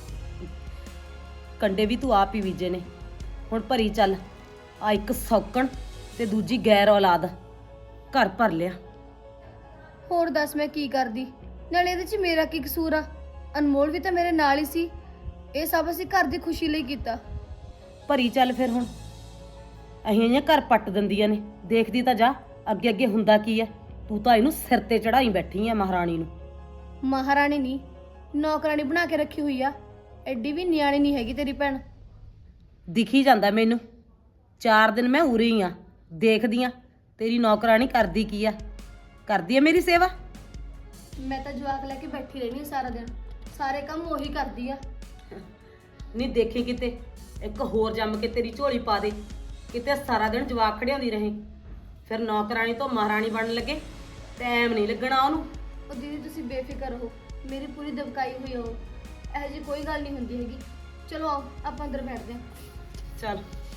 Speaker 5: ਕੰਡੇ ਵੀ ਤੂੰ ਆਪ ਹੀ ਬੀਜੇ ਨੇ। ਹੁਣ ਭਰੀ ਚੱਲ, ਆ ਇੱਕ ਸੌਕਣ ਤੇ ਦੂਜੀ ਗੈਰ ਔਲਾਦ ਘਰ ਭਰ ਲਿਆ।
Speaker 2: ਹੋਰ ਦੱਸ ਮੈਂ ਕੀ ਕਰਦੀ? ਨਾਲੇ ਇਹਦੇ 'ਚ ਮੇਰਾ ਕੀ ਕਸੂਰ ਆ? ਅਨਮੋਲ ਵੀ ਤਾਂ ਮੇਰੇ ਨਾਲ ਹੀ ਸੀ। ਇਹ ਸਭ ਅਸੀਂ ਘਰ ਦੀ ਖੁਸ਼ੀ ਲਈ ਕੀਤਾ।
Speaker 5: ਭਰੀ ਚੱਲ ਫਿਰ ਹੁਣ। ਅਹੀਂ ਇਹ ਘਰ ਪੱਟ ਦਿੰਦੀਆਂ ਨੇ, ਦੇਖਦੀ ਤਾਂ ਜਾ ਅੱਗੇ ਅੱਗੇ ਹੁੰਦਾ ਕੀ ਹੈ। ਤੂੰ ਤਾਂ ਇਹਨੂੰ ਸਿਰ ਤੇ ਚੜਾਈ ਬੈਠੀ ਆ ਮਹਾਰਾਣੀ ਨੂੰ।
Speaker 2: ਮਹਾਰਾਣੀ ਨਹੀਂ, ਨੌਕਰਾਣੀ ਬਣਾ ਕੇ ਰੱਖੀ ਹੋਈ ਆ। ਐਡੀ ਵੀ ਨਿਆਣੀ ਨਹੀਂ ਹੈਗੀ ਤੇਰੀ ਭੈਣ।
Speaker 5: ਦਿਖੀ ਜਾਂਦਾ ਮੈਨੂੰ। 4 ਦਿਨ ਮੈਂ ਉਰੇ ਹੀ ਆ, ਦੇਖਦੀ ਆ ਤੇਰੀ ਨੌਕਰਾਣੀ ਕਰਦੀ ਕੀ ਆ। ਕਰਦੀ ਆ ਮੇਰੀ ਸੇਵਾ?
Speaker 2: ਮੈਂ ਤਾਂ ਜਵਾਕ ਲੈ ਕੇ ਬੈਠੀ ਰਹਿਣੀ ਆ ਸਾਰਾ ਦਿਨ, ਸਾਰੇ ਕੰਮ ਉਹੀ ਕਰਦੀ ਆ।
Speaker 5: ਨਹੀਂ ਦੇਖੀ ਕਿਤੇ ਇੱਕ ਹੋਰ ਜੰਮ ਕੇ ਤੇਰੀ ਝੋਲੀ ਪਾ ਦੇ, ਕਿਤੇ ਸਾਰਾ ਦਿਨ ਜਵਾਕ ਖੜਿਆਉਂਦੀ ਰਹੇ। ਫਿਰ ਨੌਕਰਾਣੀ ਤੋਂ ਮਹਾਰਾਣੀ ਬਣਨ ਲੱਗੇ ਟਾਈਮ ਨਹੀਂ ਲੱਗਣਾ ਉਹਨੂੰ।
Speaker 2: ਉਹ ਦੀਦੀ ਤੁਸੀਂ ਬੇਫਿਕਰ ਹੋ, ਮੇਰੀ ਪੂਰੀ ਦਬਕਾਈ ਹੋਈ ਹੋ। ਇਹੋ ਜਿਹੀ ਕੋਈ ਗੱਲ ਨਹੀਂ ਹੁੰਦੀ ਹੈਗੀ। ਚਲੋ ਆਓ ਆਪਾਂ ਅੰਦਰ ਬੈਠਦੇ ਹਾਂ।
Speaker 5: ਚੱਲ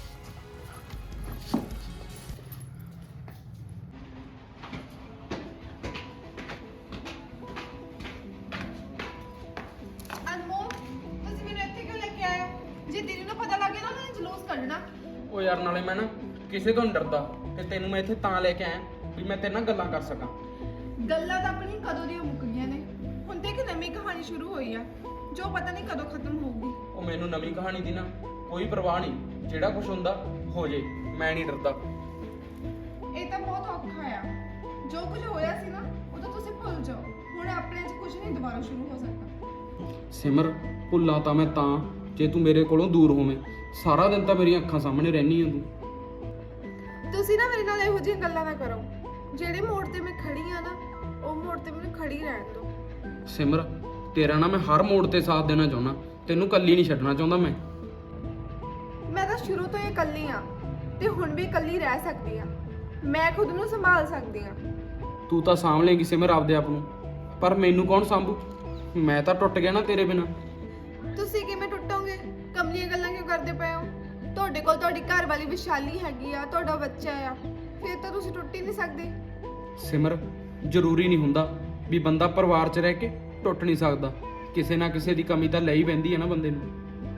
Speaker 2: ਅਨਮੋਲ ਤੁਸੀਂ ਮੈਨੂੰ ਇੱਥੇ ਕਿਉਂ ਲੈ ਕੇ ਆਏ ਹੋ? ਜੇ ਦੀਦੀ ਨੂੰ ਪਤਾ ਲੱਗ ਗਿਆ ਨਾ ਮੈਂ ਜਲੂਸ ਕੱਢਣਾ।
Speaker 4: ਉਹ ਯਾਰ ਨਾਲੇ ਮੈਂ ਨਾ ਕਿਸੇ ਤੋਂ ਨਹੀਂ ਡਰਦਾ, ਤੇ ਤੈਨੂੰ ਮੈਂ ਇੱਥੇ ਤਾਂ ਲੈ ਕੇ ਆਇਆ ਵੀ ਮੈਂ ਤੇਰੇ ਨਾਲ ਗੱਲਾਂ ਕਰ ਸਕਾਂ।
Speaker 6: ਗੱਲਾਂ ਤਾਂ ਆਪਣੀ ਕਦੋਂ ਦੀਆਂ ਮੁੱਕ ਗਈਆਂ ਨੇ। ਹੁਣ ਤੇ ਇੱਕ ਨਵੀਂ ਕਹਾਣੀ ਸ਼ੁਰੂ ਹੋਈ ਆ ਜੋ ਪਤਾ ਨਹੀਂ ਕਦੋਂ ਖਤਮ ਹੋਊਗੀ।
Speaker 4: ਉਹ ਮੈਨੂੰ ਨਵੀਂ ਕਹਾਣੀ ਦੀ ਨਾ ਕੋਈ ਪਰਵਾਹ ਨਹੀਂ, ਜਿਹੜਾ ਕੁਝ ਹੁੰਦਾ ਹੋ ਜੇ, ਮੈਂ ਨਹੀਂ ਡਰਦਾ।
Speaker 6: ਇਹ ਤਾਂ ਬਹੁਤ ਔਖਾ ਆ। ਜੋ ਕੁਝ ਹੋਇਆ ਸੀ ਨਾ ਉਹ ਤਾਂ ਤੁਸੀਂ ਭੁੱਲ ਜਾਓ। ਹੁਣ ਆਪਣੇ 'ਚ ਕੁਝ ਨਹੀਂ ਦੁਬਾਰਾ ਸ਼ੁਰੂ ਹੋ ਸਕਦਾ।
Speaker 4: ਸਿਮਰ ਭੁੱਲਾਂ ਤਾਂ ਮੈਂ ਤਾਂ ਜੇ ਤੂੰ ਮੇਰੇ ਕੋਲੋਂ ਦੂਰ ਹੋਵੇਂ। ਸਾਰਾ ਦਿਨ ਤਾਂ ਮੇਰੀਆਂ ਅੱਖਾਂ ਸਾਹਮਣੇ ਰਹਿਨੀ ਆ ਤੂੰ।
Speaker 6: ਤੁਸੀਂ ਨਾ ਮੇਰੇ ਨਾਲ ਇਹੋ ਜਿਹੀਆਂ ਗੱਲਾਂ ਨਾ ਕਰੋ। ਜਿਹੜੇ ਮੋੜ ਤੇ ਮੈਂ ਖੜੀ ਆ ਨਾ ਉਹ ਮੋੜ ਤੇ ਮੈਨੂੰ ਖੜੀ ਰਹਿਣ ਦਿਓ।
Speaker 4: ਸਿਮਰ ਤੇਰਾ ਨਾ ਮੈਂ ਹਰ ਮੋੜ ਤੇ ਸਾਥ ਦੇਣਾ ਚਾਹੁੰਦਾ, ਤੈਨੂੰ ਇਕੱਲੀ ਨਹੀਂ ਛੱਡਣਾ ਚਾਹੁੰਦਾ ਮੈਂ।
Speaker 6: ਮੈਂ ਤਾਂ ਸ਼ੁਰੂ ਤੋਂ ਹੀ ਇਕੱਲੀ ਆ ਤੇ ਹੁਣ ਵੀ ਇਕੱਲੀ ਰਹਿ ਸਕਦੀ ਆ। ਮੈਂ ਖੁਦ ਨੂੰ ਸੰਭਾਲ ਸਕਦੀ ਆ।
Speaker 4: ਤੂੰ ਤਾਂ ਸਾਂਭ ਲੇਂਗੀ ਸਿਮਰ ਆਪਦੇ ਆਪ ਨੂੰ, ਪਰ ਮੈਨੂੰ ਕੌਣ ਸੰਭੂ? ਮੈਂ ਤਾਂ ਟੁੱਟ ਗਿਆ ਨਾ ਤੇਰੇ ਬਿਨਾਂ।
Speaker 6: ਤੁਸੀਂ ਕਿਵੇਂ ਟੁੱਟੋਗੇ? ਕਮਲੀਆਂ ਗੱਲਾਂ ਕਿਉਂ ਕਰਦੇ ਪਏ ਹੋ? ਤੁਹਾਡੇ ਕੋਲ ਤੁਹਾਡੀ ਘਰ ਵਾਲੀ ਵਿਸ਼ਾਲੀ ਹੈਗੀ ਆ, ਤੁਹਾਡਾ ਬੱਚਾ ਆ, ਫਿਰ ਤਾਂ ਤੁਸੀਂ ਟੁੱਟ ਹੀ ਨਹੀਂ ਸਕਦੇ।
Speaker 4: ਸਿਮਰ ਜ਼ਰੂਰੀ ਨਹੀਂ ਹੁੰਦਾ ਵੀ ਬੰਦਾ ਪਰਿਵਾਰ 'ਚ ਰਹਿ ਕੇ ਟੁੱਟ ਨਹੀਂ ਸਕਦਾ। ਕਿਸੇ ਨਾ ਕਿਸੇ ਦੀ ਕਮੀ ਤਾਂ ਲੈ ਹੀ ਪੈਂਦੀ ਹੈ ਨਾ ਬੰਦੇ ਨੂੰ।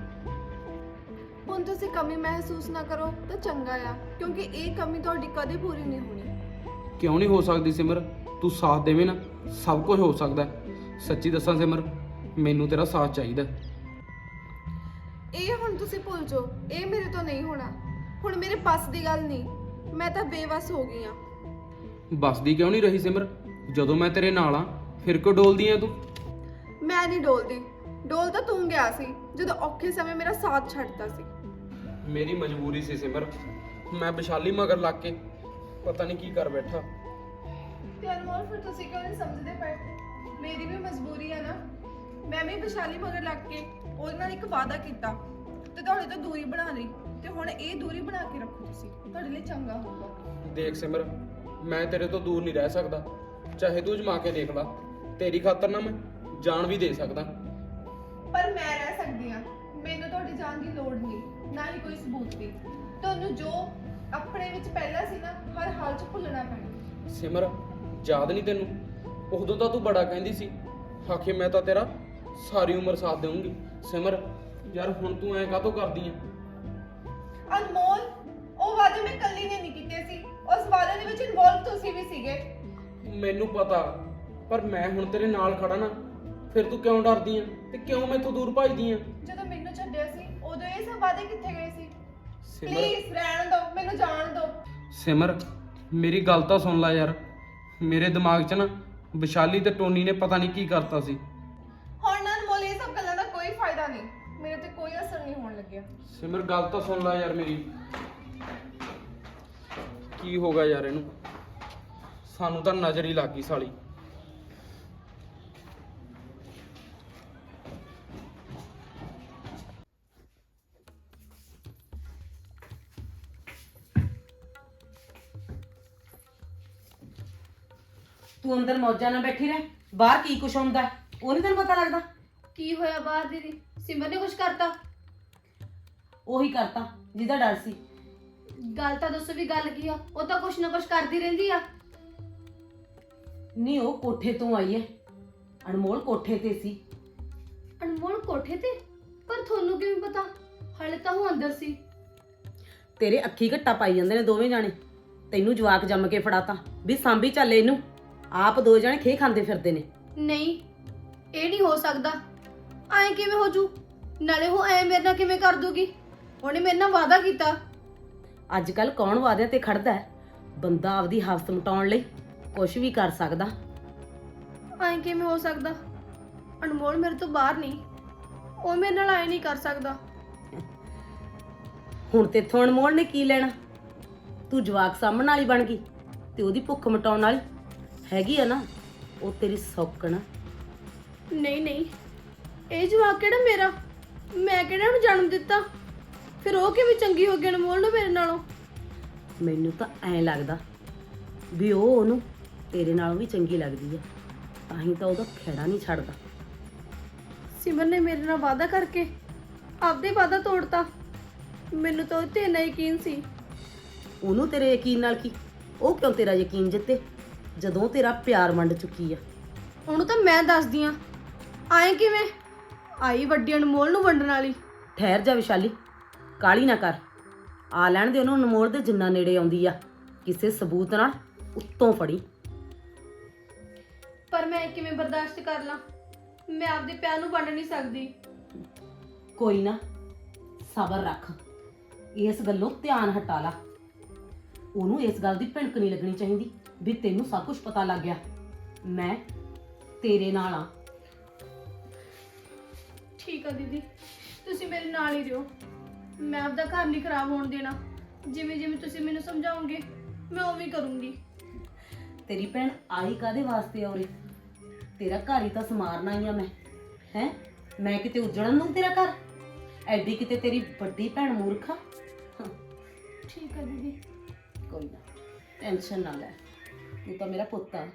Speaker 6: ਹੁਣ ਤੁਸੀਂ ਕਮੀ ਮਹਿਸੂਸ ਨਾ ਕਰੋ ਤਾਂ ਚੰਗਾ ਆ, ਕਿਉਂਕਿ ਇਹ ਕਮੀ ਤੁਹਾਡੀ ਕਦੇ ਪੂਰੀ ਨਹੀਂ ਹੋਣੀ।
Speaker 4: ਕਿਉਂ ਨਹੀਂ ਹੋ ਸਕਦੀ ਸਿਮਰ? ਤੂੰ ਸਾਥ ਦੇਵੇਂ ਨਾ ਸਭ ਕੁਝ ਹੋ ਸਕਦਾ ਹੈ। ਸੱਚੀ ਦੱਸਾਂ ਸਿਮਰ, ਮੈਨੂੰ ਤੇਰਾ ਸਾਥ ਚਾਹੀਦਾ।
Speaker 6: ਇਹ ਹੁਣ ਤੁਸੀਂ ਭੁੱਲ ਜਾਓ, ਇਹ ਮੇਰੇ ਤੋਂ ਨਹੀਂ ਹੋਣਾ। ਹੁਣ ਮੇਰੇ ਬਸ ਦੀ ਗੱਲ ਨਹੀਂ, ਮੈਂ ਤਾਂ ਬੇਵਸ ਹੋ ਗਈ ਆ।
Speaker 4: ਬਸਦੀ ਕਿਉਂ ਨਹੀਂ ਰਹੀ ਸਿਮਰ? ਜਦੋਂ ਮੈਂ ਤੇਰੇ ਨਾਲ ਆ ਫਿਰ ਕਿਉਂ ਡੋਲਦੀ ਆ ਤੂੰ?
Speaker 6: ਮੈਂ ਨਹੀਂ ਡੋਲਦੀ। ਡੋਲ ਤਾਂ ਤੂੰ ਗਿਆ ਸੀ ਜਦੋਂ ਔਖੇ ਸਮੇਂ ਮੇਰਾ ਸਾਥ ਛੱਡਦਾ ਸੀ।
Speaker 4: ਮੇਰੀ ਮਜਬੂਰੀ ਸੀ ਸਿਮਰ। ਮੈਂ ਵਿਸ਼ਾਲੀ ਮਗਰ ਲੱਗ ਕੇ ਪਤਾ ਨਹੀਂ ਕੀ ਕਰ ਬੈਠਾ।
Speaker 6: ਤੇ ਅਨਮੋਲ ਫਿਰ ਤੁਸੀਂ ਕਿਉਂ ਨਹੀਂ ਸਮਝਦੇ ਪਏ? ਮੇਰੀ ਵੀ ਮਜਬੂਰੀ ਆ ਨਾ। ਮੈਂ ਵੀ ਵਿਸ਼ਾਲੀ ਮਗਰ ਲੱਗ ਕੇ ਉਹਦੇ ਨਾਲ ਇੱਕ ਵਾਅਦਾ ਕੀਤਾ ਤੇ ਤੁਹਾਡੇ ਤੋਂ ਦੂਰੀ ਬਣਾ ਲਈ, ਤੇ ਹੁਣ ਇਹ ਦੂਰੀ ਬਣਾ ਕੇ ਰੱਖੋ ਤੁਸੀਂ, ਤੁਹਾਡੇ ਲਈ ਚੰਗਾ ਹੋਊਗਾ।
Speaker 4: ਦੇਖ ਸਿਮਰ, ਮੈਂ ਤੇਰੇ ਤੋਂ ਦੂਰ ਨਹੀਂ ਰਹਿ ਸਕਦਾ, ਚਾਹੇ ਤੂੰ ਜਮਾ ਕੇ ਦੇਖ ਲਾ, ਤੇਰੀ ਖਾਤਰ ਨਾ ਮੈਂ ਜਾਨ ਵੀ ਦੇ ਸਕਦਾ।
Speaker 6: ਪਰ ਮੈਂ ਰਹਿ ਸਕਦੀ ਹਾਂ, ਮੈਨੂੰ ਤੁਹਾਡੀ ਜਾਨ ਦੀ ਲੋੜ ਨਹੀਂ, ਨਾ ਹੀ ਕੋਈ ਸਬੂਤ ਦੀ। ਤੁਹਾਨੂੰ ਜੋ ਆਪਣੇ ਵਿੱਚ ਪਹਿਲਾਂ ਸੀ ਨਾ, ਹਰ ਹਾਲ 'ਚ ਭੁੱਲਣਾ ਪੈਣਾ।
Speaker 4: ਸਿਮਰ, ਯਾਦ ਨਹੀਂ ਤੈਨੂੰ, ਉਦੋਂ ਤਾਂ ਤੂੰ ਬੜਾ ਕਹਿੰਦੀ ਸੀ, ਆਖੇ ਮੈਂ ਤਾਂ ਤੇਰਾ ਸਾਰੀ ਉਮਰ ਸਾਥ ਦੇਵਾਂਗੀ। ਸਿਮਰ ਯਾਰ, ਹੁਣ ਤੂੰ ਐਂ ਕਾਹਤੋਂ ਕਰਦੀ ਐ?
Speaker 6: ਅਨਮੋਲ, ਉਹ ਵਾਅਦੇ ਮੈਂ ਇਕੱਲੀ ਨੇ ਨਹੀਂ ਕੀਤੇ ਸੀ, ਉਸ ਵਾਅਦੇ ਦੇ ਵਿੱਚ ਇਨਵੋਲਵ ਤੁਸੀਂ ਵੀ ਸੀਗੇ।
Speaker 4: ਮੈਨੂੰ ਪਤਾ, ਪਰ ਮੈਂ ਹੁਣ ਤੇਰੇ ਨਾਲ ਖੜਾ ਨਾ, ਫਿਰ ਤੂੰ ਕਿਉਂ ਡਰਦੀ ਐ ਤੇ ਕਿਉਂ ਮੈਥੋਂ ਦੂਰ ਭੱਜਦੀ ਐ?
Speaker 6: ਜਦੋਂ ਮੈਨੂੰ ਛੱਡਿਆ ਸੀ ਉਦੋਂ ਇਹ ਸਭ ਵਾਅਦੇ ਕਿੱਥੇ ਗਏ ਸੀ?
Speaker 4: ਸਿਮਰ,
Speaker 6: ਪਲੀਜ਼ ਰਹਿਣ ਦਿਓ, ਮੈਨੂੰ ਜਾਣ ਦਿਓ।
Speaker 4: ਸਿਮਰ ਮੇਰੀ ਗੱਲ ਤਾਂ ਸੁਣ ਲੈ ਯਾਰ, ਮੇਰੇ ਦਿਮਾਗ 'ਚ ਨਾ ਵਿਸ਼ਾਲੀ ਤੇ ਟੋਨੀ ਨੇ ਪਤਾ ਨਹੀਂ ਕੀ ਕਰਤਾ ਸੀ।
Speaker 6: ਹੁਣ ਨਾ ਅਨਮੋਲ, ਇਹ ਸਭ ਗੱਲਾਂ ਦਾ ਕੋਈ ਫਾਇਦਾ ਨਹੀਂ, ਮੇਰੇ ਤੇ ਕੋਈ ਅਸਰ ਨਹੀਂ ਹੋਣ ਲੱਗਿਆ।
Speaker 4: ਸਿਮਰ ਗੱਲ ਤਾਂ ਸੁਣ ਲੈ ਯਾਰ ਮੇਰੀ, ਕੀ ਹੋ ਗਿਆ ਯਾਰ ਇਹਨੂੰ? ਸਾਨੂੰ ਤਾਂ ਨਜ਼ਰ ਹੀ ਲੱਗ ਗਈ ਸਾਲੀ।
Speaker 5: ਤੂੰ ਅੰਦਰ ਮੌਜਾਂ ਨਾਲ ਬੈਠੀ ਰਹਿ, ਬਾਹਰ ਕੀ ਕੁਛ ਹੁੰਦਾ ਹੈ, ਉਹ ਨਹੀਂ ਤੈਨੂੰ ਪਤਾ ਲੱਗਦਾ?
Speaker 1: ਕੀ ਹੋਇਆ ਬਾਹਰ ਦੀਦੀ? ਸਿਮਰ ਨੇ ਕੁਝ ਕਰਤਾ?
Speaker 5: ਉਹੀ ਕਰਤਾ ਜਿਹਦਾ ਡਰ ਸੀ।
Speaker 1: ਗੱਲ ਤਾਂ ਦੱਸੋ ਵੀ ਗੱਲ ਕੀ ਆ? ਉਹ ਤਾਂ ਕੁਛ ਨਾ ਕੁਛ ਕਰਦੀ ਰਹਿੰਦੀ ਆ।
Speaker 5: ਨਹੀਂ, ਉਹ ਕੋਠੇ ਤੋਂ ਆਈ ਹੈ, ਅਨਮੋਲ ਕੋਠੇ ਤੇ ਸੀ।
Speaker 1: ਅਨਮੋਲ ਕੋਠੇ ਤੇ? ਪਰ ਤੁਹਾਨੂੰ ਕਿਵੇਂ ਪਤਾ? ਹਲੇ ਤਾਂ ਉਹ ਅੰਦਰ ਸੀ।
Speaker 5: ਤੇਰੇ ਅੱਖੀ ਘੱਟਾ ਪਾਈ ਜਾਂਦੇ ਨੇ ਦੋਵੇਂ ਜਾਣੇ, ਤੈਨੂੰ ਜਵਾਕ ਜੰਮ ਕੇ ਫੜਾਤਾ ਵੀ ਸਾਂਭੀ ਚੱਲ ਇਹਨੂੰ, ਆਪ ਦੋ ਜਾਣੇ ਖੇ ਖਾਂਦੇ ਫਿਰਦੇ ਨੇ।
Speaker 1: ਨਹੀਂ, ਇਹ ਨਹੀਂ ਹੋ ਸਕਦਾ। ਐਂ ਕਿਵੇਂ ਹੋ ਜੂ? ਨਾਲੇ ਉਹ ਐ ਮੇਰੇ ਨਾਲ ਕਿਵੇਂ ਕਰ ਦੂਗੀ? ਉਹਨੇ ਮੇਰੇ ਨਾਲ ਵਾਅਦਾ ਕੀਤਾ।
Speaker 5: ਅੱਜ ਕੱਲ ਕੌਣ ਵਾਅਦਿਆਂ ਤੇ ਖੜਦਾ ਹੈ? ਬੰਦਾ ਆਪਦੀ ਹਵਸ ਮਟਾਉਣ ਲਈ ਕੁਝ ਵੀ ਕਰ ਸਕਦਾ।
Speaker 1: ਐਂ ਕਿਵੇਂ ਹੋ ਸਕਦਾ? ਅਨਮੋਲ ਮੇਰੇ ਤੋਂ ਬਾਹਰ ਨਹੀਂ, ਉਹ ਮੇਰੇ ਨਾਲ ਐ ਨਹੀਂ ਕਰ ਸਕਦਾ।
Speaker 5: ਹੁਣ ਤੇਥੋਂ ਅਨਮੋਲ ਨੇ ਕੀ ਲੈਣਾ? ਤੂੰ ਜਵਾਕ ਸਾਂਭਣ ਵਾਲੀ ਬਣ ਗਈ ਤੇ ਉਹਦੀ ਭੁੱਖ ਮਿਟਾਉਣ ਵਾਲੀ ਹੈਗੀ ਆ ਨਾ, ਉਹ ਤੇਰੀ ਸੌਕਣ।
Speaker 1: ਨਹੀਂ ਨਹੀਂ, ਇਹ ਜਵਾਕ ਕਿਹੜਾ ਮੇਰਾ? ਮੈਂ ਕਿਹੜਾ ਉਹਨੂੰ ਜਨਮ ਦਿੱਤਾ? ਫਿਰ ਉਹ ਕਿਵੇਂ ਚੰਗੀ ਹੋ ਗਈ ਅਨਮੋਲ ਨੂੰ ਮੇਰੇ ਨਾਲੋਂ?
Speaker 5: ਮੈਨੂੰ ਤਾਂ ਐਂ ਲੱਗਦਾ ਵੀ ਉਹ ਉਹਨੂੰ ਤੇਰੇ ਨਾਲੋਂ ਵੀ ਚੰਗੀ ਲੱਗਦੀ ਹੈ, ਤਾਂ ਹੀ ਤਾਂ ਉਹਦਾ ਖਹਿੜਾ ਨਹੀਂ ਛੱਡਦਾ।
Speaker 1: ਸਿਮਰ ਨੇ ਮੇਰੇ ਨਾਲ ਵਾਅਦਾ ਕਰਕੇ ਆਪਦੇ ਵਾਅਦਾ ਤੋੜਤਾ। ਮੈਨੂੰ ਤਾਂ ਉਹ ਤੇ ਇੰਨਾ ਯਕੀਨ ਸੀ।
Speaker 5: ਉਹਨੂੰ ਤੇਰੇ ਯਕੀਨ ਨਾਲ ਕੀ? ਉਹ ਕਿਉਂ ਤੇਰਾ ਯਕੀਨ ਜਿੱਤੇ ਜਦੋਂ ਤੇਰਾ ਪਿਆਰ ਵੰਡ ਚੁੱਕੀ ਆ?
Speaker 1: ਉਹਨੂੰ ਤਾਂ ਮੈਂ ਦੱਸਦੀ ਆ। ਆਏ ਕਿਵੇਂ ਆਈ ਵੱਡੀ ਅਨਮੋਲ ਨੂੰ ਵੰਡਣ ਵਾਲੀ?
Speaker 5: ਠਹਿਰ ਜਾ ਵਿਸ਼ਾਲੀ, ਕਾਹਲੀ ਨਾ ਕਰ, ਆ ਲੈਣ ਦੇ ਉਹਨੂੰ ਅਨਮੋਲ ਦੇ ਜਿੰਨਾ ਨੇੜੇ ਆਉਂਦੀ ਆ, ਕਿਸੇ ਸਬੂਤ ਨਾਲ ਉੱਤੋਂ ਫੜੀ।
Speaker 1: ਪਰ ਮੈਂ ਕਿਵੇਂ ਬਰਦਾਸ਼ਤ ਕਰ ਲਾਂ? ਮੈਂ ਆਪਦੇ ਪਿਆਰ ਨੂੰ ਵੰਡ ਨਹੀਂ ਸਕਦੀ।
Speaker 5: ਕੋਈ ਨਾ, ਸਬਰ ਰੱਖ, ਇਸ ਗੱਲੋਂ ਧਿਆਨ ਹਟਾ ਲਾ। ਉਹਨੂੰ ਇਸ ਗੱਲ ਦੀ ਭਿਣਕ ਨਹੀਂ ਲੱਗਣੀ ਚਾਹੀਦੀ ਵੀ ਤੈਨੂੰ ਸਭ ਕੁਝ ਪਤਾ ਲੱਗ ਗਿਆ। ਮੈਂ ਤੇਰੇ ਨਾਲ ਆ।
Speaker 1: ਠੀਕ ਆ ਦੀਦੀ, ਤੁਸੀਂ ਮੇਰੇ ਨਾਲ ਹੀ ਰਹੋ। ਮੈਂ ਆਪਦਾ ਘਰ ਨਹੀਂ ਖਰਾਬ ਹੋਣ ਦੇਣਾ। ਜਿਵੇਂ ਜਿਵੇਂ ਤੁਸੀਂ ਮੈਨੂੰ ਸਮਝਾਓਗੇ ਮੈਂ ਉਵੇਂ ਕਰੂੰਗੀ।
Speaker 5: ਤੇਰੀ ਭੈਣ ਆਈ ਕਾਦੇ ਵਾਸਤੇ ਆ ਉਰੇ? ਤੇਰਾ ਘਰ ਹੀ ਤਾਂ ਸਮਾਰਨਾ ਹੀ ਆ ਮੈਂ। ਹੈ ਮੈਂ ਕਿਤੇ ਉਜੜਨ ਦੂੰ ਤੇਰਾ ਘਰ? ਐਡੀ ਕਿਤੇ ਤੇਰੀ ਵੱਡੀ ਭੈਣ ਮੂਰਖਾ?
Speaker 1: ਠੀਕ ਆ ਦੀਦੀ।
Speaker 5: ਕੋਈ ਨਾ, ਟੈਨਸ਼ਨ ਨਾ ਲੈ, ਤੂੰ ਤਾਂ ਮੇਰਾ ਪੁੱਤ ਆ।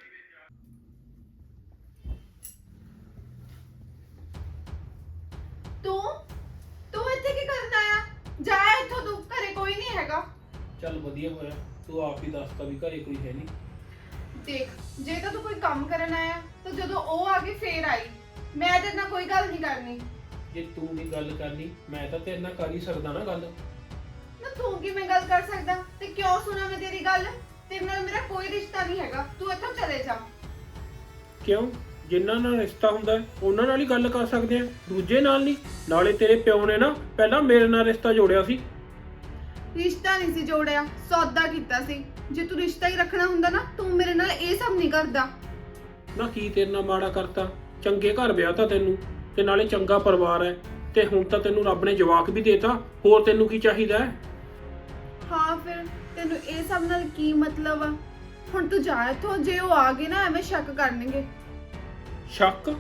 Speaker 6: ਤੂੰ ਇੱਥੇ ਕੀ ਕਰਨ ਆਇਆ? ਜਾ ਇੱਥੋਂ, ਤੂੰ ਘਰੇ ਕੋਈ ਨਹੀਂ ਹੈਗਾ।
Speaker 3: ਚੱਲ ਵਧੀਆ ਹੋਇਆ, ਤੂੰ ਆਪ ਹੀ ਦੱਸਤਾ ਵੀ ਘਰੇ ਕੋਈ ਹੈ ਨਹੀਂ।
Speaker 6: ਦੇਖ, ਜੇ ਤਾਂ ਤੂੰ ਕੋਈ ਕੰਮ ਕਰਨ ਆਇਆ ਤਾਂ ਜਦੋਂ ਉਹ ਆ ਗਈ ਫੇਰ ਆਈ। ਮੈਂ ਤੇਰੇ ਨਾਲ ਕੋਈ ਗੱਲ ਨਹੀਂ ਕਰਨੀ।
Speaker 3: ਜੇ ਤੂੰ ਨਹੀਂ ਗੱਲ ਕਰਨੀ, ਮੈਂ ਤਾਂ ਤੇਰੇ ਨਾਲ ਕਰ ਹੀ ਸਕਦਾ ਨਾ ਗੱਲ।
Speaker 6: ਨਾ ਤੂੰ ਕਿਵੇਂ ਗੱਲ ਕਰ ਸਕਦਾ? ਤੇ ਕਿਉਂ ਸੁਣਾ ਮੈਂ ਤੇਰੀ ਗੱਲ? ਤੇਰੇ ਨਾਲ ਮੇਰਾ ਕੋਈ ਰਿਸ਼ਤਾ ਨਹੀਂ ਹੈਗਾ, ਤੂੰ ਇੱਥੋਂ ਚਲੇ ਜਾ।
Speaker 3: ਕਿਉਂ? ਜਿਨ੍ਹਾਂ ਨਾਲ ਰਿਸ਼ਤਾ ਹੁੰਦਾ ਹੈ, ਉਹਨਾਂ ਨਾਲ ਹੀ ਗੱਲ ਕਰ ਸਕਦੇ ਆ, ਦੂਜੇ ਨਾਲ ਨਹੀਂ। ਨਾਲੇ ਤੇਰੇ ਪਿਓ ਨੇ ਨਾ ਪਹਿਲਾਂ ਮੇਰੇ ਨਾਲ ਰਿਸ਼ਤਾ ਜੋੜਿਆ ਸੀ।
Speaker 6: ਰਿਸ਼ਤਾ ਨਹੀਂ ਸੀ ਜੋੜਿਆ, ਸੌਦਾ ਕੀਤਾ ਸੀ। ਜੇ ਤੂੰ ਰਿਸ਼ਤਾ ਹੀ ਰੱਖਣਾ ਹੁੰਦਾ ਨਾ, ਤੂੰ ਮੇਰੇ ਨਾਲ ਇਹ ਸਭ ਨਹੀਂ ਕਰਦਾ।
Speaker 3: ਨਾ ਕੀ ਤੇਰੇ ਨਾਲ ਮਾੜਾ ਕਰਤਾ? ਚੰਗੇ ਘਰ ਵਿਆਹ ਤਾਂ ਤੈਨੂੰ, ਤੇ ਨਾਲੇ ਚੰਗਾ ਪਰਿਵਾਰ ਹੈ, ਤੇ ਹੁਣ ਤਾਂ ਤੈਨੂੰ ਰੱਬ ਨੇ ਜਵਾਕ ਵੀ ਦੇਤਾ। ਹੋਰ ਤੈਨੂੰ ਕੀ ਚਾਹੀਦਾ ਹੈ?
Speaker 6: ਹਾਂ, ਫਿਰ ਤੈਨੂੰ ਇਹ ਸਭ ਨਾਲ ਕੀ ਮਤਲਬ ਆ? ਹੁਣ ਤੂੰ ਜਾ ਇੱਥੋਂ, ਜੇ ਉਹ ਆ ਗਏ ਨਾ ਐਵੇਂ ਸ਼ੱਕ ਕਰਨਗੇ।
Speaker 3: ਸ਼ੱਕ?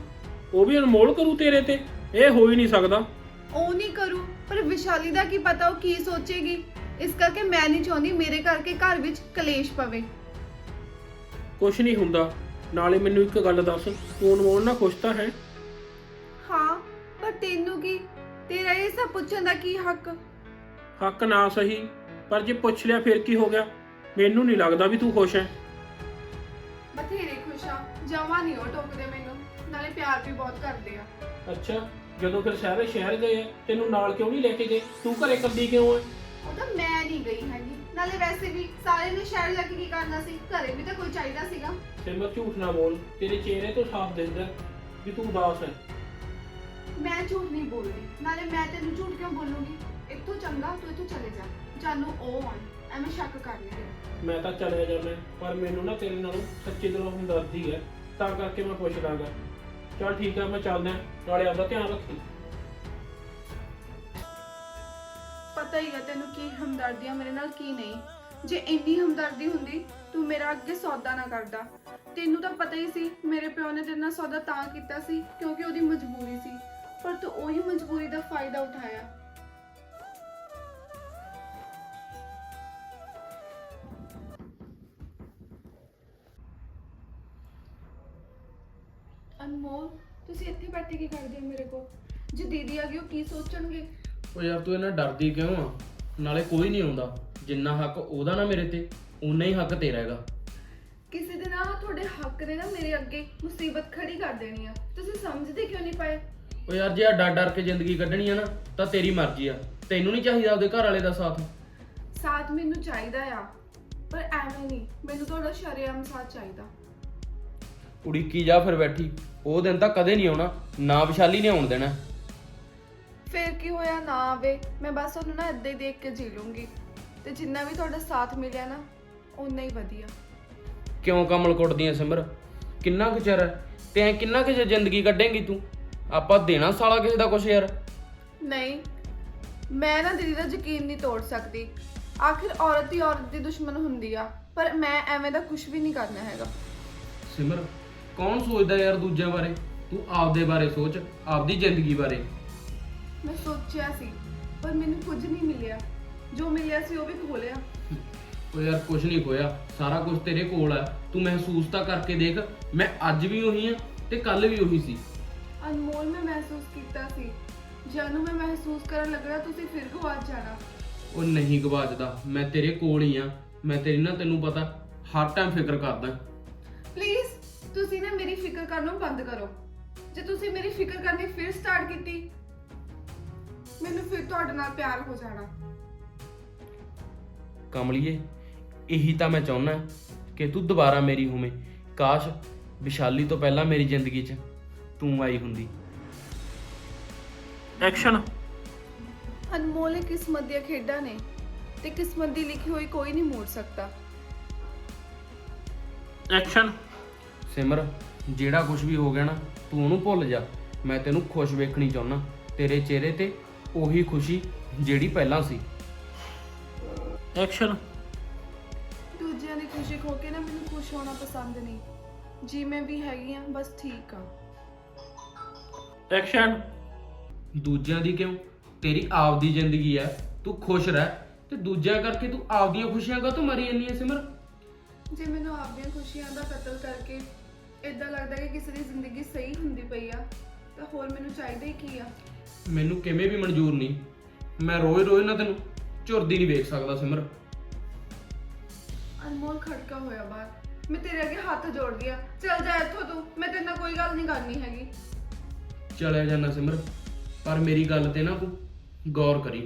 Speaker 3: ਉਹ ਵੀ ਅਨਮੋਲ ਕਰੂ ਤੇਰੇ ਤੇ? ਇਹ ਹੋ ਹੀ ਨਹੀਂ ਸਕਦਾ।
Speaker 2: ਉਹ ਨਹੀਂ ਕਰੂ, ਪਰ ਵਿਸ਼ਾਲੀ ਦਾ ਕੀ ਪਤਾ ਉਹ ਕੀ ਸੋਚੇਗੀ। ਇਸ ਕਰਕੇ ਮੈਂ ਨਹੀਂ ਚਾਹੁੰਦੀ ਮੇਰੇ ਕਰਕੇ ਘਰ ਵਿੱਚ ਕਲੇਸ਼ ਪਵੇ।
Speaker 3: ਕੁਛ ਨਹੀਂ ਹੁੰਦਾ। ਨਾਲੇ ਮੈਨੂੰ ਇੱਕ ਗੱਲ ਦੱਸ, ਤੂੰ ਅਨਮੋਲ ਨਾਲ ਖੁਸ਼ ਤਾਂ ਹੈ?
Speaker 2: ਹਾਂ, ਪਰ ਤੈਨੂੰ ਕੀ, ਤੇਰਾ ਇਹ ਸਭ ਪੁੱਛਣ ਦਾ ਕੀ ਹੱਕ?
Speaker 3: ਹੱਕ ਨਾ ਸਹੀ, ਪਰ ਜੇ ਪੁੱਛ ਲਿਆ ਫਿਰ ਕੀ ਹੋ ਗਿਆ? ਮੈਨੂੰ ਨਹੀਂ ਲੱਗਦਾ ਵੀ ਤੂੰ ਖੁਸ਼ ਹੈ।
Speaker 2: ਬਥੇਰੇ ਖੁਸ਼ ਆ, ਜਮਾਂ ਨਹੀਂ ਉਹ ਟੋਕਦੇ ਮੈਨੂੰ, ਨਾਲੇ ਪਿਆਰ ਵੀ ਬਹੁਤ ਕਰਦੇ ਆ।
Speaker 3: ਅੱਛਾ, ਜਦੋਂ ਫਿਰ ਸਾਰੇ ਸ਼ਹਿਰ ਗਏ ਆ, ਤੈਨੂੰ ਨਾਲ ਕਿਉਂ ਨਹੀਂ ਲੈ ਕੇ ਗਏ? ਤੂੰ ਘਰੇ ਇਕੱਲੀ ਕਿਉਂ ਹੈ?
Speaker 2: ਉਹ ਤਾਂ ਮੈਂ ਨਹੀਂ ਗਈ ਹੈਗੀ, ਨਾਲੇ ਵੈਸੇ ਵੀ ਸਾਰੇ ਨੇ ਸ਼ਹਿਰ ਜਾ ਕੇ ਕੀ ਕਰਨਾ ਸੀ, ਘਰੇ ਵੀ ਤਾਂ ਕੋਈ ਚਾਹੀਦਾ ਸੀਗਾ।
Speaker 3: ਸਿਮਰ ਝੂਠ ਨਾ ਬੋਲ, ਤੇਰੇ ਚਿਹਰੇ ਤੋਂ ਸਾਫ਼ ਦਿਸਦਾ ਵੀ ਤੂੰ ਉਦਾਸ ਹੈ।
Speaker 2: ਮੈਂ ਝੂਠ ਨਹੀਂ ਬੋਲਦੀ, ਨਾਲੇ ਮੈਂ ਤੈਨੂੰ ਝੂਠ ਕਿਉਂ ਬੋਲੂੰਗੀ? ਇੱਥੋਂ ਚੰਗਾ ਤੂੰ ਇੱਥੋਂ ਚਲੇ ਜਾ, ਜਾਨੂੰ ਉਹ ਆਉਣ, ਐਵੇਂ ਸ਼ੱਕ ਕਰ ਲਈ।
Speaker 3: ਮੈਂ ਤਾਂ ਚਲਿਆ ਜਾਂਦਾ, ਪਰ ਮੈਨੂੰ ਨਾ ਤੇਰੇ ਨਾਲੋਂ ਸੱਚੀ ਦਿਲੋਂ ਹਮਦਰਦੀ ਹੈ, ਤਾਂ ਕਰਕੇ ਮੈਂ ਪੁੱਛਦਾਗਾ। ਚਲ ਠੀਕ ਹੈ, ਮੈਂ ਚੱਲਦਾ, ਨਾਲੇ ਆਪਦਾ ਧਿਆਨ ਰੱਖੀ।
Speaker 2: ਪਤਾ ਹੀ ਹੈ ਤੈਨੂੰ ਕੀ ਹਮਦਰਦੀ ਆ ਮੇਰੇ ਨਾਲ, ਕੀ ਨਹੀਂ। ਜੇ ਇੰਨੀ ਹਮਦਰਦੀ ਹੁੰਦੀ ਤੂੰ ਮੇਰਾ ਅੱਗੇ ਸੌਦਾ ਨਾ ਕਰਦਾ। ਤੈਨੂੰ ਤਾਂ ਪਤਾ ਹੀ ਸੀ ਮੇਰੇ ਪਿਓ ਨੇ ਤੇਰੇ ਨਾਲ ਸੌਦਾ ਤਾਂ ਕੀਤਾ ਸੀ ਕਿਉਂਕਿ ਉਹਦੀ ਮਜਬੂਰੀ ਸੀ, ਪਰ ਤੂੰ ਉਹੀ ਮਜਬੂਰੀ ਦਾ ਫਾਇਦਾ ਉਠਾਇਆ। ਅਨਮੋਲ, ਤੁਸੀਂ ਇੱਥੇ ਬੈਠੇ ਕੀ ਕਰਦੇ ਹੋ ਮੇਰੇ ਕੋਲ? ਜੇ ਦੀਦੀ ਆ ਗਈ ਉਹ ਕੀ ਸੋਚਣਗੇ?
Speaker 4: ਉਹ ਯਾਰ ਤੂੰ ਇਹਨਾਂ ਡਰਦੀ ਕਿਉਂ ਆ? ਨਾਲੇ ਕੋਈ ਨਹੀਂ ਆਉਂਦਾ। ਜਿੰਨਾ ਹੱਕ ਉਹਦਾ ਨਾ ਮੇਰੇ ਤੇ, ਉਨਾ ਹੀ ਹੱਕ ਤੇਰਾ ਹੈਗਾ।
Speaker 2: ਕਿਸੇ ਦਿਨ ਆ ਤੁਹਾਡੇ ਹੱਕ ਨੇ ਨਾ ਮੇਰੇ ਅੱਗੇ ਮੁਸੀਬਤ ਖੜੀ ਕਰ ਦੇਣੀ ਆ। ਤੁਸੀਂ ਸਮਝਦੇ ਕਿਉਂ ਨਹੀਂ ਪਏ?
Speaker 4: ਉਹ ਯਾਰ ਜੇ ਆ ਡਰ ਡਰ ਕੇ ਜ਼ਿੰਦਗੀ ਕੱਢਣੀ ਆ ਨਾ, ਤਾਂ ਤੇਰੀ ਮਰਜ਼ੀ ਆ। ਤੈਨੂੰ ਨਹੀਂ ਚਾਹੀਦਾ ਆਪਦੇ ਘਰ ਵਾਲੇ ਦਾ ਸਾਥ?
Speaker 2: ਸਾਥ ਮੈਨੂੰ ਚਾਹੀਦਾ ਆ, ਪਰ ਐਵੇਂ ਨਹੀਂ, ਮੈਨੂੰ ਤੁਹਾਡਾ ਸ਼ਰੇਆਮ ਸਾਥ ਚਾਹੀਦਾ।
Speaker 4: ਉਡੀਕੀ ਜਾ ਫਿਰ ਬੈਠੀ, ਉਹ ਦਿਨ ਤਾਂ ਕਦੇ ਨਹੀਂ ਆਉਣਾ, ਨਾ ਵਿਸ਼ਾਲੀ ਨੇ ਆਉਣ ਦੇਣਾ।
Speaker 2: ਫੇਰ ਕੀ ਹੋਇਆ, ਨਾ ਆਵੇ, ਮੈਂ ਬਸ ਉਹਨੂੰ ਨਾ ਏਦਾਂ ਹੀ ਦੇਖ ਕੇ ਜੀ ਲੂੰਗੀ, ਤੇ ਜਿੰਨਾ ਵੀ ਤੁਹਾਡਾ ਸਾਥ ਮਿਲਿਆ ਨਾ ਓਨਾ ਹੀ ਵਧੀਆ।
Speaker 4: ਕਿਉਂ ਕਮਲ ਕੁੱਟਦੀਆਂ ਸਿਮਰ? ਕਿੰਨਾ ਕੁ ਚਿਰ ਹੈ ਤੇ ਐ ਕਿੰਨਾ ਕੁ ਚਿਰ ਜ਼ਿੰਦਗੀ ਕੱਢੇਂਗੀ ਤੂੰ? ਆਪਾਂ ਦੇਣਾ ਸਾਲਾ ਕਿਸੇ ਦਾ ਕੁਛ ਯਾਰ।
Speaker 2: ਨਹੀਂ, ਮੈਂ ਨਾ ਦੀਦੀ ਦਾ ਯਕੀਨ ਨਹੀਂ ਤੋੜ ਸਕਦੀ। ਆਖਿਰ ਔਰਤ ਹੀ ਔਰਤ ਦੀ ਦੁਸ਼ਮਣ ਹੁੰਦੀ ਆ, ਪਰ ਮੈਂ ਐਵੇਂ ਦਾ ਕੁਝ ਵੀ ਨਹੀਂ ਕਰਨਾ ਹੈਗਾ।
Speaker 4: ਸਿਮਰ, ਕੌਣ ਸੋਚਦਾ ਯਾਰ ਦੂਜਿਆਂ ਬਾਰੇ? ਤੂੰ ਆਪਦੇ ਬਾਰੇ ਸੋਚ, ਆਪਦੀ ਜ਼ਿੰਦਗੀ ਬਾਰੇ।
Speaker 2: ਮੈਂ ਸੋਚਿਆ ਸੀ, ਪਰ ਮੈਨੂੰ ਕੁਝ ਨਹੀਂ ਮਿਲਿਆ। ਜੋ ਮਿਲਿਆ ਸੀ ਉਹ ਵੀ ਖੋਲਿਆ।
Speaker 4: ਉਹ ਯਾਰ ਕੁਝ ਨਹੀਂ ਖੋਇਆ, ਸਾਰਾ ਕੁਝ ਤੇਰੇ ਕੋਲ ਹੈ। ਤੂੰ ਮਹਿਸੂਸ ਤਾਂ ਕਰਕੇ ਦੇਖ, ਮੈਂ ਅੱਜ ਵੀ ਉਹੀ ਹਾਂ ਤੇ ਕੱਲ ਵੀ ਉਹੀ ਸੀ।
Speaker 2: ਅਨਮੋਲ, ਮੈਂ ਮਹਿਸੂਸ ਕੀਤਾ ਸੀ, ਜਾਨੂੰ ਮੈਂ ਮਹਿਸੂਸ ਕਰਨ ਲੱਗਣਾ ਤੁਸੀਂ ਫਿਰ ਗਵਾਚ ਜਾਣਾ।
Speaker 4: ਉਹ ਨਹੀਂ ਗਵਾਚਦਾ, ਮੈਂ ਤੇਰੇ ਕੋਲ ਹੀ ਆ। ਮੈਂ ਤੇਰੀ ਨਾ, ਤੈਨੂੰ ਪਤਾ, ਹਰ ਟਾਈਮ ਫਿਕਰ ਕਰਦਾ।
Speaker 2: ਪਲੀਜ਼ ਤੁਸੀਂ ਨਾ ਮੇਰੀ ਫਿਕਰ ਕਰਨਾ ਬੰਦ ਕਰੋ। ਜੇ ਤੁਸੀਂ ਮੇਰੀ ਫਿਕਰ ਕਰਨੀ ਫਿਰ ਸਟਾਰਟ ਕੀਤੀ, ਮੈਨੂੰ ਫਿਰ ਤੁਹਾਡੇ ਨਾਲ ਪਿਆਰ ਹੋ ਜਾਣਾ।
Speaker 4: ਕਮਲੀਏ, ਇਹੀ ਤਾਂ ਮੈਂ ਚਾਹੁੰਦਾ ਕਿ ਤੂੰ ਦੁਬਾਰਾ ਮੇਰੀ ਹੋਵੇਂ। ਕਾਸ਼ ਵਿਸ਼ਾਲੀ ਤੋਂ ਪਹਿਲਾਂ ਮੇਰੀ ਜ਼ਿੰਦਗੀ 'ਚ ਤੂੰ ਆਈ ਹੁੰਦੀ।
Speaker 3: ਐਕਸ਼ਨ।
Speaker 2: ਅਨਮੋਲ, ਇਹ ਕਿਸਮਤ ਦੀਆਂ ਖੇਡਾਂ ਨੇ ਤੇ ਕਿਸਮਤ ਦੀ ਲਿਖੀ ਹੋਈ ਕੋਈ ਨਹੀਂ ਮੋੜ ਸਕਦਾ।
Speaker 3: ਐਕਸ਼ਨ।
Speaker 4: ਸਿਮਰ, ਜਿਹੜਾ ਕੁਝ ਵੀ ਹੋ ਗਿਆ ਨਾ, ਤੂੰ ਉਹਨੂੰ ਭੁੱਲ ਜਾ। ਮੈਂ ਤੈਨੂੰ ਖੁਸ਼ ਵੇਖਣੀ ਚਾਹੁੰਦਾ, ਤੇਰੇ ਚਿਹਰੇ ਤੇ ਉਹੀ ਖੁਸ਼ੀ ਜਿਹੜੀ ਪਹਿਲਾਂ ਸੀ।
Speaker 3: ਐਕਸ਼ਨ।
Speaker 2: ਦੂਜਿਆਂ ਦੀ ਖੁਸ਼ੀ ਖੋ ਕੇ ਨਾ ਮੈਨੂੰ ਖੁਸ਼ ਹੋਣਾ ਪਸੰਦ ਨਹੀਂ। ਜੀ ਮੈਂ ਵੀ ਹੈਗੀ ਆ, ਬਸ ਠੀਕ ਆ।
Speaker 3: ਐਕਸ਼ਨ।
Speaker 4: ਦੂਜਿਆਂ ਦੀ ਕਿਉਂ? ਤੇਰੀ ਆਪਦੀ ਜ਼ਿੰਦਗੀ ਹੈ, ਤੂੰ ਖੁਸ਼ ਰਹਿ। ਤੇ ਦੂਜਿਆਂ ਕਰਕੇ ਤੂੰ ਆਪਦੀਆਂ ਖੁਸ਼ੀਆਂ ਕਾਹਤੋਂ ਮਰੀ ਜਾਂਦੀ ਹੈ ਸਿਮਰ?
Speaker 2: ਜੇ ਮੈਨੂੰ ਆਪਦੀਆਂ ਖੁਸ਼ੀਆਂ ਦਾ ਕਤਲ ਕਰਕੇ ਇਦਾਂ ਲੱਗਦਾ ਕਿ ਕਿਸੇ ਦੀ ਜ਼ਿੰਦਗੀ ਸਹੀ ਹੁੰਦੀ ਪਈ ਆ, ਤਾਂ ਹੋਰ ਮੈਨੂੰ ਚਾਹੀਦਾ ਹੀ ਕੀ ਆ?
Speaker 4: ਮੈਨੂੰ ਕਿਵੇਂ ਵੀ ਮਨਜ਼ੂਰ ਨਹੀਂ। ਮੈਂ ਰੋਜ਼ ਰੋਜ਼ ਨਾ ਤੈਨੂੰ ਝੁਰਦੀ ਨਹੀਂ ਵੇਖ ਸਕਦਾ ਸਿਮਰ।
Speaker 2: ਅਨਮੋਲ, ਖੜਕਾ ਹੋਇਆ ਬਾਹਰ, ਮੈਂ ਤੇਰੇ ਅੱਗੇ ਹੱਥ ਜੋੜਦੀ ਆ, ਚੱਲ ਜਾ ਇੱਥੋਂ ਤੂੰ। ਮੈਂ ਤੇਰੇ ਨਾਲ ਕੋਈ ਗੱਲ ਨਹੀਂ ਕਰਨੀ ਹੈਗੀ।
Speaker 4: ਚਲਿਆ ਜਾਣਾ ਸਿਮਰ, ਪਰ ਮੇਰੀ ਗੱਲ ਤੇ ਨਾ ਤੂੰ ਗੌਰ ਕਰੀ।